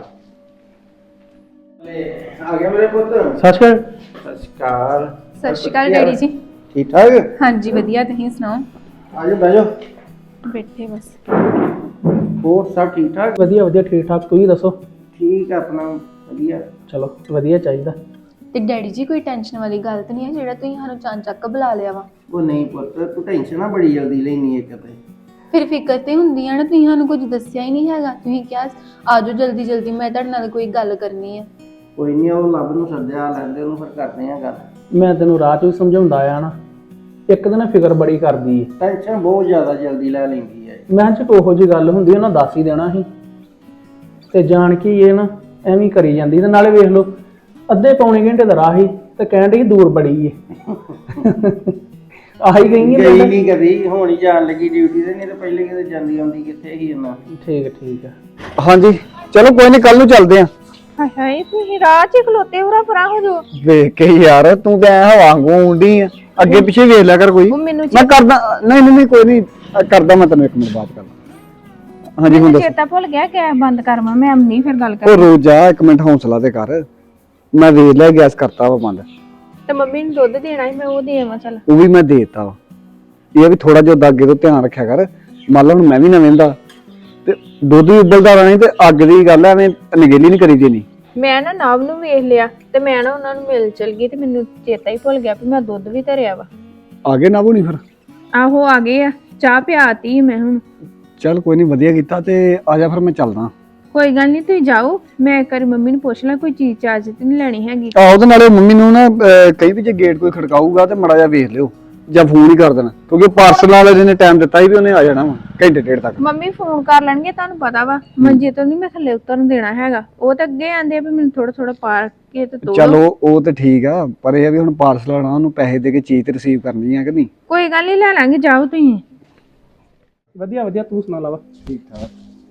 S5: ਆ ਗਿਆ ਮੇਰੇ ਪੁੱਤ।
S4: ਸਤਿ ਸ਼੍ਰੀ ਅਕਾਲ।
S5: ਸਤਿ ਸ਼੍ਰੀ ਅਕਾਲ।
S1: ਸਤਿ ਸ਼੍ਰੀ ਅਕਾਲ ਡੈਡੀ ਜੀ।
S5: ਠੀਕ ਠਾਕ?
S1: ਹਾਂਜੀ ਵਧੀਆ, ਤੁਸੀਂ ਸੁਣਾਓ?
S5: ਆ ਜਾ ਬਹਿ ਜਾ।
S1: ਬੈਠੇ ਬਸ।
S5: ਹੋਰ ਸਭ ਠੀਕ ਠਾਕ?
S4: ਵਧੀਆ ਵਧੀਆ, ਠੀਕ ਠਾਕ। ਤੁਸੀਂ ਦੱਸੋ?
S5: ਠੀਕ ਆ ਆਪਣਾ, ਵਧੀਆ।
S4: ਚਲੋ ਵਧੀਆ ਚਾਹੀਦਾ।
S1: ਤੇ ਡੈਡੀ ਜੀ ਕੋਈ ਟੈਨਸ਼ਨ ਵਾਲੀ ਗੱਲ ਤਾਂ ਨਹੀਂ ਹੈ ਜਿਹੜਾ ਤੁਸੀਂ ਸਾਨੂੰ ਚਾਂਚੱਕ ਬੁਲਾ ਲਿਆ ਵਾ?
S5: ਉਹ ਨਹੀਂ ਪੁੱਤ, ਤੂੰ ਟੈਨਸ਼ਨ ਨਾ ਬੜੀ ਜਲਦੀ ਲੈਣੀ ਇੱਕ ਤੇ।
S1: ਫਿਰ ਫਿਕਰ ਤੇ ਹੁੰਦੀ ਆ ਨਾ, ਤੁਸੀਂ ਸਾਨੂੰ ਕੁਝ ਦੱਸਿਆ ਹੀ ਨਹੀਂ ਹੈਗਾ। ਤੁਸੀਂ ਕਿਹਾ ਆਜੋ ਜਲਦੀ ਜਲਦੀ, ਮੈਂ ਤੁਹਾਡੇ ਨਾਲ ਕੋਈ ਗੱਲ ਕਰਨੀ ਆ।
S5: ਕੋਈ ਨਹੀਂ, ਉਹ ਲੱਭ ਨੂੰ ਸੱਦਿਆ ਲੈਂਦੇ, ਉਹਨੂੰ ਫਿਰ ਕਰਦੇ ਆ ਗੱਲ।
S4: ਮੈਂ ਤੈਨੂੰ ਰਾਹ ਚ ਵੀ ਸਮਝਾਉਂਦਾ ਆ ਨਾ, ਇੱਕ ਦਿਨ ਫਿਕਰ ਬੜੀ ਕਰਦੀ ਏ।
S5: ਟੈਨਸ਼ਨ ਬਹੁਤ ਜ਼ਿਆਦਾ ਜਲਦੀ ਲੈ ਲੈਂਦੀ ਹੈ।
S4: ਮੈਂ ਚ ਉਹੋ ਜਿਹੀ ਗੱਲ ਹੁੰਦੀ ਉਹਨਾਂ ਦੱਸ ਹੀ ਦੇਣਾ ਸੀ, ਤੇ ਜਾਣ ਕੇ ਇਹ ਨਾ ਐਵੇਂ ਕਰੀ ਜਾਂਦੀ। ਤੇ ਨਾਲੇ ਵੇਖ ਲਓ ਅੱਧੇ ਪੌਣੇ ਘੰਟੇ ਦਾ ਰਾਹ ਹੀ ਤੇ ਕਹਿਣ ਡਈ ਦੂਰ ਬੜੀ ਏ। ਆਹੀ ਗਈ
S5: ਗਈ
S4: ਏ।
S5: ਨਹੀਂ ਕਦੀ, ਹੁਣ ਹੀ ਜਾਣ ਲੱਗੀ ਡਿਊਟੀ ਤੇ, ਨਹੀਂ ਤਾਂ ਪਹਿਲੇ ਕਿਤੇ ਜਾਂਦੀ ਆਉਂਦੀ ਕਿੱਥੇ ਹੀ ਇੰਨਾ।
S4: ਠੀਕ ਹੈ ਠੀਕ ਹੈ।
S3: ਹਾਂਜੀ ਚਲੋ ਕੋਈ ਨਹੀਂ, ਕੱਲ ਨੂੰ ਚੱਲਦੇ ਆ।
S2: ਹਾਏ ਹਾਏ, ਤੁਸੀਂ ਰਾਹ 'ਚ ਖਲੋਤੇ ਹੋ, ਰਾ ਪਰਾਂ ਹੋ ਜੋ।
S3: ਵੇਖ ਕੇ ਯਾਰ ਤੂੰ ਤਾਂ ਐ ਹਵਾ ਵਾਂਗੂ ਆਉਂਦੀ ਆ, ਅੱਗੇ ਪਿੱਛੇ ਵੇਖ ਲਿਆ ਕਰ ਕੋਈ।
S2: ਉਹ ਮੈਨੂੰ
S3: ਮੈਂ ਕਰਦਾ। ਨਹੀਂ ਨਹੀਂ ਨਹੀਂ, ਕੋਈ ਨਹੀਂ ਕਰਦਾ, ਮੈਂ ਤੈਨੂੰ ਇੱਕ ਮਿੰਟ ਬਾਤ ਕਰਦਾ। ਹਾਂਜੀ ਹੁਣ
S2: ਮੈਨੂੰ
S3: ਦੱਸ।
S2: ਚੇਤਾ ਭੁੱਲ ਗਿਆ, ਗੈਸ ਬੰਦ ਕਰਵਾ, ਮੈਂ ਨਹੀਂ ਫਿਰ ਗੱਲ
S3: ਉਹ
S2: ਕਰ।
S3: ਰੋਜ਼ ਜਾ, ਇੱਕ ਮਿੰਟ ਹੌਸਲਾ ਤੇ ਕਰ। ਮੈਂ ਵੇਖ ਲਿਆ ਗੈਸ ਕਰਤਾ ਵਾ ਬੰਦ।
S2: ਤੇ ਮੰਮੀ ਨੂੰ ਦੁੱਧ ਦੇਣਾ ਸੀ, ਮੈਂ ਉਹ ਦੇ ਆਵਾਂ। ਚੱਲ
S3: ਉਹ ਵੀ ਮੈਂ ਦੇਤਾ ਵਾ। ਇਹ ਵੀ ਥੋੜਾ ਜਿਹਾ ਅੱਗੇ ਤੋਂ ਧਿਆਨ ਰੱਖਿਆ ਕਰ। ਮੰਨ ਲਾ ਹੁਣ ਮੈਂ ਵੀ ਨਾ ਵਹਿੰਦਾ ਤੇ ਦੁੱਧ ਵੀ ਉਬਲਦਾ ਰਹਿਣਾ ਤੇ ਅੱਗ ਦੀ ਗੱਲ ਐਵੇਂ ਨਗੇਲੀ ਨਹੀਂ ਕਰੀ ਦੇਣੀ।
S2: ਮੈਂ ਨਾ ਨਾਵ ਨੂੰ ਵੇਖ ਲਿਆ ਤੇ ਮੈਂ ਨਾ ਉਹਨਾਂ ਨੂੰ ਮਿਲ ਚਲ ਗਈ ਤੇ ਮੈਨੂੰ ਚੇਤਾ ਹੀ ਭੁੱਲ ਗਿਆ ਵੀ ਮੈਂ ਦੁੱਧ ਵੀ ਧਰਿਆ ਵਾ।
S3: ਆ ਗਏ ਨਾ ਬੋਣੀ ਫਿਰ?
S2: ਆਹੋ ਆ ਗਏ ਆ, ਚਾਹ ਪਿਆਤੀ ਮੈਂ ਹੁਣ।
S3: ਚੱਲ ਕੋਈ ਨਹੀਂ, ਵਧੀਆ ਕੀਤਾ। ਤੇ ਆ ਜਾ ਫਿਰ ਮੈਂ ਚੱਲਦਾ।
S2: ਕੋਈ ਗੱਲ ਨਹੀਂ, ਤੁਸੀਂ ਜਾਓ, ਮੈਂ ਇੱਕ ਵਾਰੀ ਮੰਮੀ ਨੂੰ ਪੁੱਛ ਲਾਂ ਕੋਈ ਚੀਜ਼ ਚਾਰਜ ਤੇ ਨਹੀਂ ਲੈਣੀ ਹੈਗੀ।
S3: ਆਹ ਉਹਦੇ ਨਾਲੇ ਮੰਮੀ ਨੂੰ ਨਾ ਅਹ, ਕਹੀ ਵੀ ਜੇ ਗੇਟ ਕੋਈ ਖੜਕਾਊਗਾ ਤੇ ਮੜਾ ਜਾ ਵੇਖ ਲਿਓ ਜਾਂ ਫੋਨ ਹੀ ਕਰ ਦੇਣਾ, ਕਿਉਂਕਿ ਪਾਰਸਲ ਵਾਲੇ ਨੇ ਟਾਈਮ ਦਿੱਤਾ ਸੀ ਵੀ ਉਹਨੇ ਆ ਜਾਣਾ ਵਾ ਘੰਟੇ ਡੇਢ ਤੱਕ।
S2: ਮੰਮੀ ਫੋਨ ਕਰ ਲੈਣਗੇ, ਤੁਹਾਨੂੰ ਪਤਾ ਵਾ ਮੰਜੇ ਤੋਂ ਨਹੀਂ ਮੈਂ ਥੱਲੇ ਉਤਰਨ ਦੇਣਾ ਹੈਗਾ। ਉਹ ਤਾਂ ਅੱਗੇ ਆਂਦੇ ਆ ਵੀ ਮੈਨੂੰ ਥੋੜਾ ਥੋੜਾ ਪਾ ਕੇ ਤੇ ਤੋੜੋ।
S3: ਚਲੋ ਉਹ ਤੇ ਠੀਕ ਆ, ਪਰ ਇਹ ਆ ਵੀ ਹੁਣ ਪਾਰਸਲ ਆਣਾ, ਉਹਨੂੰ ਪੈਸੇ ਦੇ ਕੇ ਚੀਜ਼ ਤੇ ਰਿਸੀਵ ਕਰਨੀ ਆ ਕਿ ਨਹੀਂ।
S2: ਕੋਈ ਗੱਲ ਨਹੀਂ, ਲੈ ਲਾਂਗੇ, ਜਾਓ ਤੁਸੀਂ।
S4: ਵਧੀਆ ਵਧੀਆ, ਤੂੰ ਸੁਣਾ ਲਾਵਾ।
S3: ਠੀਕ ਠਾਕ।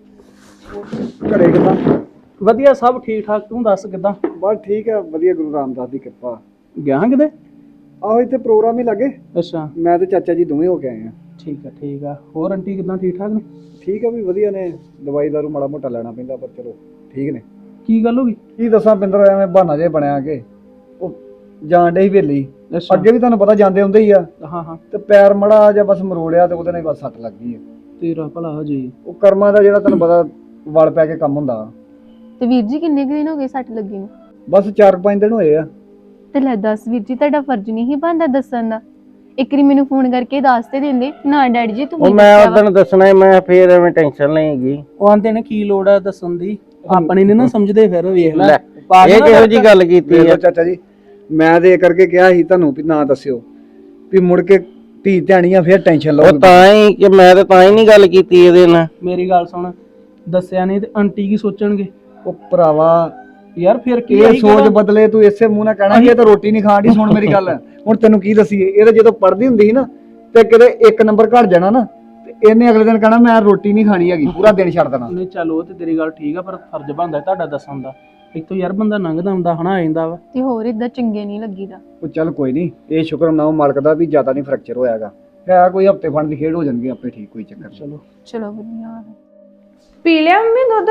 S3: ਘਰੇ ਕਿੱਦਾਂ?
S4: ਵਧੀਆ, ਸਭ ਠੀਕ ਠਾਕ। ਤੂੰ ਦੱਸ ਕਿੱਦਾਂ?
S3: ਬਸ ਠੀਕ ਆ, ਵਧੀਆ, ਗੁਰੂ ਰਾਮਦਾਸ ਦੀ ਕਿਰਪਾ।
S4: ਗਿਆ ਕਿਤੇ?
S3: ਆਹੋ ਇੱਥੇ ਪ੍ਰੋਗਰਾਮ ਹੀ ਲੱਗੇ,
S4: ਅੱਛਾ,
S3: ਮੈਂ ਤੇ ਚਾਚਾ ਜੀ ਦੋਵੇਂ ਹੋ ਕੇ ਆਏ ਆ।
S4: ਠੀਕ ਆ ਠੀਕ ਆ। ਹੋਰ ਆਂਟੀ ਕਿੱਦਾਂ, ਠੀਕ ਠਾਕ ਨੇ?
S3: ਠੀਕ ਆ ਵੀ ਵਧੀਆ ਨੇ, ਦਵਾਈ ਦਾਰੂ ਮਾੜਾ ਮੋਟਾ ਲੈਣਾ ਪੈਂਦਾ, ਪਰ ਚਲੋ ਠੀਕ ਨੇ।
S4: ਕੀ ਗੱਲ ਹੋ ਗਈ?
S3: ਕੀ ਦੱਸਾਂ ਪਿੰਦਰ, ਐਵੇਂ ਬਹਾਨਾ ਜੇ ਬਣਿਆ ਕਿ ਉਹ ਜਾਣ ਡੇ ਹੀ ਵੇਲੀ।
S4: ਅੱਛਾ,
S3: ਅੱਗੇ ਵੀ ਤੁਹਾਨੂੰ ਪਤਾ ਜਾਂਦੇ ਹੁੰਦੇ ਹੀ ਆ,
S4: ਹਾਂ ਹਾਂ।
S3: ਤੇ ਪੈਰ ਮੜਾ ਜਾਂ ਬਸ ਮਰੋੜਿਆ ਤੇ ਉਹਦੇ ਨਾਲ ਹੀ ਬਸ ਸੱਟ ਲੱਗ ਗਈ ਆ।
S4: ਤੇਰਾ ਭਲਾ ਹੋ ਜੀ।
S3: ਉਹ ਕਰਮਾਂ ਦਾ ਜਿਹੜਾ ਤੁਹਾਨੂੰ ਪਤਾ ਵਲ ਪੈ ਕੇ ਕੰਮ ਹੁੰਦਾ।
S1: ਤੇ ਵੀਰ ਜੀ ਕਿੰਨੇ ਕੁ ਦਿਨ ਹੋ ਗਏ ਸੱਟ ਲੱਗੀ ਨੂੰ?
S3: ਬਸ ਚਾਰ ਪੰਜ ਦਿਨ ਹੋਏ ਆ।
S1: ਤੇ ਲੈ ਦੱਸ ਵੀਰ ਜੀ, ਤੁਹਾਡਾ ਫਰਜ਼ ਨਹੀਂ ਸੀ ਬਣਦਾ ਦੱਸਣ ਦਾ? ਇੱਕ ਵਾਰੀ ਮੈਨੂੰ ਫੋਨ ਕਰਕੇ ਦੱਸ ਤੇ ਦਿੰਦੇ ਨਾ ਡੈਡੀ ਜੀ
S5: ਉਹ
S1: ਤੁਸੀਂ
S5: ਮੈਂ
S1: ਦੱਸਿਆ ਵਾ।
S5: ਉਦੋਂ ਦੱਸਣਾ ਸੀ, ਮੈਂ ਫੇਰ ਐਵੇਂ ਟੈਨਸ਼ਨ ਨਹੀਂ ਹੈਗੀ।
S4: ਉਹ ਆਂਦੇ ਨੇ ਕੀ ਲੋੜ ਆ ਦੱਸਣ ਦੀ, ਆਪਣੀ ਨੀ ਨਾ ਸਮਝਦੇ। ਫਿਰ ਵੇਖ ਲੈ,
S5: ਲੈ, ਇਹ ਕਿਹੋ ਜੀ ਗੱਲ ਕੀਤੀ
S3: ਵੇਖ
S5: ਆ?
S3: ਲਓ ਚਾਚਾ ਜੀ, ਮੈਂ ਤੇ ਇਹ ਕਰਕੇ ਕਿਹਾ ਸੀ ਤੁਹਾਨੂੰ ਵੀ ਨਾ ਦੱਸਿਓ, ਵੀ ਮੁੜ ਕੇ ਧੀ ਧਿਆਣੀਆਂ ਫਿਰ ਟੈਨਸ਼ਨ
S5: ਉਹ
S3: ਲਓ।
S5: ਤਾਂ ਹੀ ਕਿ ਮੈਂ ਤਾਂ ਤਾਂ ਹੀ ਨਹੀਂ ਗੱਲ ਕੀਤੀ ਇਹਦੇ ਨਾਲ।
S4: ਮੇਰੀ ਗੱਲ ਸੁਣ, ਦੱਸਿਆ ਨਹੀਂ ਤੇ ਆਂਟੀ ਕੀ ਸੋਚਣਗੇ?
S3: ਉਹ ਭਰਾਵਾ
S4: ਯਾਰ ਫਿਰ ਕੀ
S3: ਇਹ
S4: ਆਹੀ
S3: ਸੋਚ
S4: ਗੱਲ-
S3: ਬਦਲੇ, ਤੂੰ ਇਸੇ ਮੂੰਹ ਨਾਲ ਕਹਿਣਾ ਕਿ ਇਹ ਤਾਂ ਰੋਟੀ ਨਹੀਂ ਖਾਣ ਦੀ। ਸੁਣ ਮੇਰੀ ਗੱਲ, ਹੁਣ ਤੈਨੂੰ ਕੀ ਦਸੀਏ, ਇਹ ਤਾਂ ਜਦੋਂ ਪੜ੍ਹਦੀ ਹੁੰਦੀ ਸੀ ਨਾ ਤੇ ਕਿਤੇ ਇੱਕ ਨੰਬਰ ਘਟ ਜਾਣਾ ਨਾ, ਤੇ ਇਹਨੇ ਅਗਲੇ ਦਿਨ ਕਹਿਣਾ ਮੈਂ ਰੋਟੀ ਨਹੀਂ ਖਾਣੀ ਹੈਗੀ, ਪੂਰਾ ਦਿਨ ਛੱਡ ਦੇਣਾ।
S4: ਨਹੀਂ ਚੱਲ ਉਹ ਤੇ ਤੇਰੀ ਗੱਲ ਠੀਕ ਆ, ਪਰ ਫਰਜ਼ ਬਣਦਾ ਤੁਹਾਡਾ ਦੱਸਣ ਦਾ। ਇੱਥੋਂ ਯਾਰ ਬੰਦਾ ਲੰਘਦਾ ਹੁੰਦਾ ਹਨਾ ਆ ਜਾਂਦਾ ਵਾ।
S1: ਤੇ ਹੋਰ ਇਦਾਂ ਚੰਗੇ ਨਹੀਂ ਲੱਗੀਦਾ।
S3: ਉਹ ਚੱਲ ਕੋਈ ਨਹੀਂ, ਇਹ ਸ਼ੁਕਰ ਮਨਾਓ ਮਾਲਕ ਦਾ ਵੀ ਜ਼ਿਆਦਾ ਨਹੀਂ ਫ੍ਰੈਕਚਰ ਹੋਇਆਗਾ। ਹੈ ਕੋਈ ਹਫਤੇ ਫੰਡ ਦੀ ਖੇਡ ਹੋ ਜਾਣਗੇ ਆਪੇ ਠੀਕ, ਕੋਈ ਚੱਕਰ ਨਹੀਂ।
S4: ਚਲੋ
S1: ਚਲੋ ਵਧੀਆ।
S2: ਪੀ ਲਿਆ ਮੰਮੀ ਦੁੱਧ?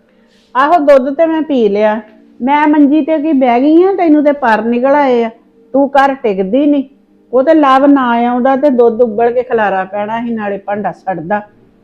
S6: ਆਹੋ ਦੁੱਧ ਤੇ ਮੈਂ ਪੀ ਲਿਆ। ਮੈਂ ਮੰਜੀ ਤੇ ਕੀ ਬਹਿ ਗਈ ਆ, ਤੈਨੂੰ ਤੇ ਪਰ ਨਿਕਲ ਆਏ ਆ। ਤੂੰ ਘਰ ਟਿਕਦੀ ਨਹੀਂ। ਉਹ ਤੇ ਲਵ ਨਾ ਆਉਂਦਾ ਤੇ ਦੁੱਧ ਉਬਲ ਕੇ ਖਲਾਰਾ ਪੈਣਾ ਸੀ, ਨਾਲੇ ਭਾਂਡਾ ਸੜਦਾ।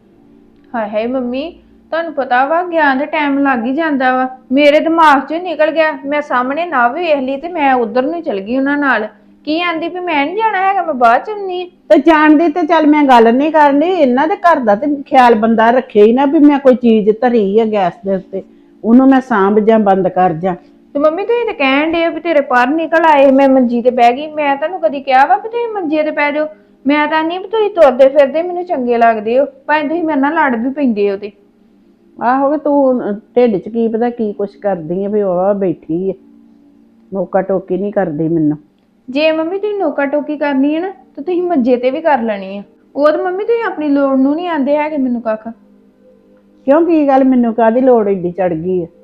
S2: ਹਾਏ ਹਾਏ ਮੰਮੀ, ਤੁਹਾਨੂੰ ਪਤਾ ਵਾ ਗਿਆਨ ਦੇ ਟਾਈਮ ਲੱਗ ਹੀ ਜਾਂਦਾ ਵਾ। ਮੇਰੇ ਦਿਮਾਗ 'ਚੋਂ ਨਿਕਲ ਗਿਆ। ਮੈਂ ਸਾਹਮਣੇ ਨਾ ਵੀ ਵੇਖ ਲਈ ਤੇ ਮੈਂ ਉਧਰ ਨੂੰ ਹੀ ਚਲ ਗਈ ਉਹਨਾਂ ਨਾਲ। ਕੀ ਆਂਦੀ ਵੀ ਮੈਂ ਨਹੀਂ ਜਾਣਾ ਹੈਗਾ, ਮੈਂ ਬਾਅਦ ਚ ਆਉਂਦੀ ਆ।
S6: ਤੇ ਜਾਣਦੀ ਤੇ ਚੱਲ ਮੈਂ ਗੱਲ ਨਹੀਂ ਕਰਨੀ, ਇਹਨਾਂ ਦੇ ਘਰ ਦਾ ਤੇ ਖਿਆਲ ਬੰਦਾ ਰੱਖੇ ਹੀ ਨਾ, ਵੀ ਮੈਂ ਕੋਈ ਚੀਜ਼ ਧਰੀ ਆ ਗੈਸ ਦੇ ਉੱਤੇ, ਉਹਨੂੰ ਮੈਂ ਸਾਂਭ ਜਾਂ ਬੰਦ ਕਰ ਜਾਂ।
S2: ਤੇ ਮੰਮੀ ਤੁਸੀਂ ਤਾਂ ਕਹਿਣ ਡੇ ਵੀ ਤੇਰੇ ਪਰ ਨਿਕਲ ਆਏ, ਮੈਂ ਮੰਜੀ ਤੇ ਬਹਿ ਗਈ। ਮੈਂ ਤੁਹਾਨੂੰ ਕਦੀ ਕਿਹਾ ਵਾ ਵੀ ਤੁਸੀਂ ਮੰਜੇ ਤੇ ਪੈ ਜਾਓ? ਮੈਂ ਤਾਂ ਨਹੀਂ ਵੀ ਤੁਸੀਂ ਤੁਰਦੇ ਫਿਰਦੇ ਮੈਨੂੰ ਚੰਗੇ ਲੱਗਦੇ ਹੋ, ਭਾਵੇਂ ਤੁਸੀਂ ਮੇਰੇ ਨਾਲ ਲੜ ਵੀ ਪੈਂਦੇ ਹੋ। ਤੇ
S6: ਆਹੋ ਵੀ ਤੂੰ ਢਿੱਡ 'ਚ ਕੀ ਪਤਾ ਕੀ ਕੁਛ ਕਰਦੀ ਆ, ਵੀ ਉਹ ਬੈਠੀ ਆ ਮੌਕਾ ਟੋਕੀ ਨਹੀਂ ਕਰਦੀ ਮੈਨੂੰ।
S2: ਜੇ ਮੰਮੀ ਤੁਸੀਂ ਨੋਕਾ ਟੋਕੀ ਕਰਨੀ ਹੈ ਨਾ ਤਾਂ ਤੁਸੀਂ ਮੰਜੇ ਤੇ ਵੀ ਕਰ ਲੈਣੀ ਆ। ਉਹ ਤਾਂ ਮੰਮੀ ਤੁਸੀਂ ਆਪਣੀ ਲੋੜ ਨੂੰ ਨਹੀਂ ਆਂਦੇ ਹੈਗੇ ਮੈਨੂੰ ਕੱਖ।
S6: ਕਿਉਂ ਕੀ ਗੱਲ, ਮੈਨੂੰ ਕਾਹਦੀ ਲੋੜ ਏਡੀ ਚੜ ਗਈ ਆ?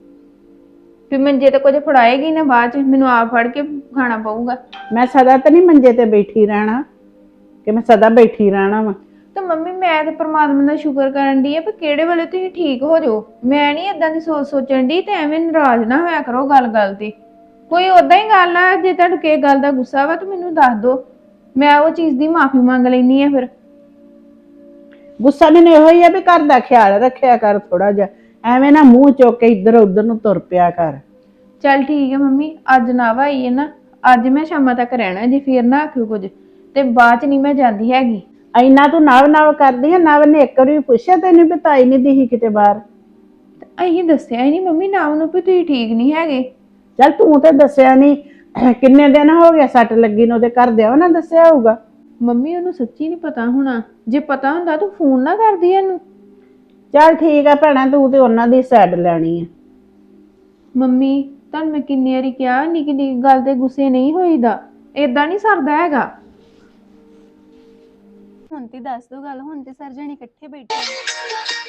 S2: ਵੀ ਮੰਜੇ ਤੇ ਕੁਝ ਫੜਾਏਗੀ ਨਾ, ਬਾਅਦ ਚ ਮੈਨੂੰ ਆਪ ਫੜ ਕੇ ਖਾਣਾ ਪਊਗਾ।
S6: ਮੈਂ ਸਦਾ ਤਾਂ ਨਹੀਂ ਮੰਜੇ ਤੇ ਬੈਠੀ ਰਹਿਣਾ, ਕਿ ਮੈਂ ਸਦਾ ਬੈਠੀ ਰਹਿਣਾ ਵਾ।
S2: ਤਾਂ ਮੰਮੀ ਮੈਂ ਤੇ ਪ੍ਰਮਾਤਮਾ ਦਾ ਸ਼ੁਕਰ ਕਰਨ ਦੀ ਆ ਵੀ ਕਿਹੜੇ ਵੇਲੇ ਤੁਸੀਂ ਠੀਕ ਹੋ ਜਾਓ। ਮੈਂ ਨਹੀਂ ਏਦਾਂ ਦੀ ਸੋਚ ਸੋਚਣ ਦੀ, ਤੇ ਐਵੇਂ ਨਾਰਾਜ਼ ਨਾ ਹੋਇਆ ਕਰੋ ਗੱਲ ਗੱਲ ਤੇ। ਕੋਈ ਓਦਾਂ ਹੀ ਗੱਲ ਆ, ਜੇ ਤੁਹਾਨੂੰ ਕਿਸੇ ਗੱਲ ਦਾ ਗੁੱਸਾ ਵਾ ਤਾਂ ਮੈਨੂੰ ਦੱਸ ਦਿਓ, ਮੈਂ ਉਹ ਚੀਜ਼ ਦੀ ਮਾਫੀ ਮੰਗ ਲੈਣੀ ਆ। ਫਿਰ
S6: ਗੁੱਸਾ ਮੈਨੂੰ ਇਹੋ ਹੀ ਆ ਵੀ ਘਰ ਦਾ ਖਿਆਲ ਰੱਖਿਆ ਕਰ ਥੋੜਾ ਜਿਹਾ, ਐਵੇਂ ਨਾ ਮੂੰਹ ਚੁੱਕ ਕੇ ਇੱਧਰ ਉੱਧਰ ਨੂੰ ਤੁਰ ਪਿਆ ਕਰ।
S2: ਚੱਲ ਠੀਕ ਹੈ ਮੰਮੀ, ਅੱਜ ਨਾ ਭਾਈ ਹੈ ਨਾ, ਅੱਜ ਮੈਂ ਸ਼ਾਮਾਂ ਤੱਕ ਰਹਿਣਾ ਜੀ, ਫਿਰ ਨਾ ਆਖਿਓ ਕੁਝ, ਤੇ ਬਾਅਦ ਚ ਨਹੀਂ ਮੈਂ ਜਾਂਦੀ ਹੈਗੀ।
S6: ਇੰਨਾ ਤੂੰ ਨਵ ਨਵ ਕਰਦੀ ਆ, ਨਵ ਨੇ ਇੱਕ ਵਾਰੀ ਪੁੱਛਿਆ ਤੈਨੂੰ ਵੀ ਤਾਈ ਨਹੀਂ ਦਿਖੀ ਕਿਤੇ ਬਾਹਰ?
S2: ਅਸੀਂ ਦੱਸਿਆ ਹੀ ਨਹੀਂ ਮੰਮੀ ਨਾ ਉਹਨੂੰ ਵੀ ਤੁਸੀਂ ਠੀਕ ਨਹੀਂ ਹੈਗੇ।
S6: ਚੱਲ ਤੂੰ ਤੇ ਦੱਸਿਆ ਨਹੀਂ, ਕਿੰਨੇ ਦਿਨ ਹੋ ਗਏ ਸੱਟ ਲੱਗੀ ਨੂੰ, ਉਹਦੇ ਘਰਦਿਆਂ ਨਾ ਦੱਸਿਆ ਹੋਊਗਾ।
S2: ਮੰਮੀ ਉਹਨੂੰ ਸੱਚੀ ਨਹੀਂ ਪਤਾ ਹੋਣਾ, ਜੇ ਪਤਾ ਹੁੰਦਾ ਤੂੰ ਫੋਨ ਨਾ ਕਰਦੀ ਇਹਨੂੰ।
S6: ਚੱਲ ਠੀਕ ਆ ਭੈਣਾ, ਤੂੰ ਤੇ ਉਹਨਾਂ ਦੀ ਸਾਈਡ ਲੈਣੀ ਆ।
S2: ਮੰਮੀ ਤੁਹਾਨੂੰ ਮੈਂ ਕਿੰਨੀ ਵਾਰੀ ਕਿਹਾ, ਨਿੱਕੀ ਨਿੱਕੀ ਗੱਲ ਤੇ ਗੁੱਸੇ ਨਹੀਂ ਹੋਈਦਾ, ਏਦਾਂ ਨਹੀਂ ਸਰਦਾ ਹੈਗਾ।
S1: ਹੁਣ ਤੇ ਦੱਸ ਦੋ ਗੱਲ, ਹੁਣ ਤੇ ਸਰ ਜਣੇ ਇਕੱਠੇ ਬੈਠੇ ਨੇ।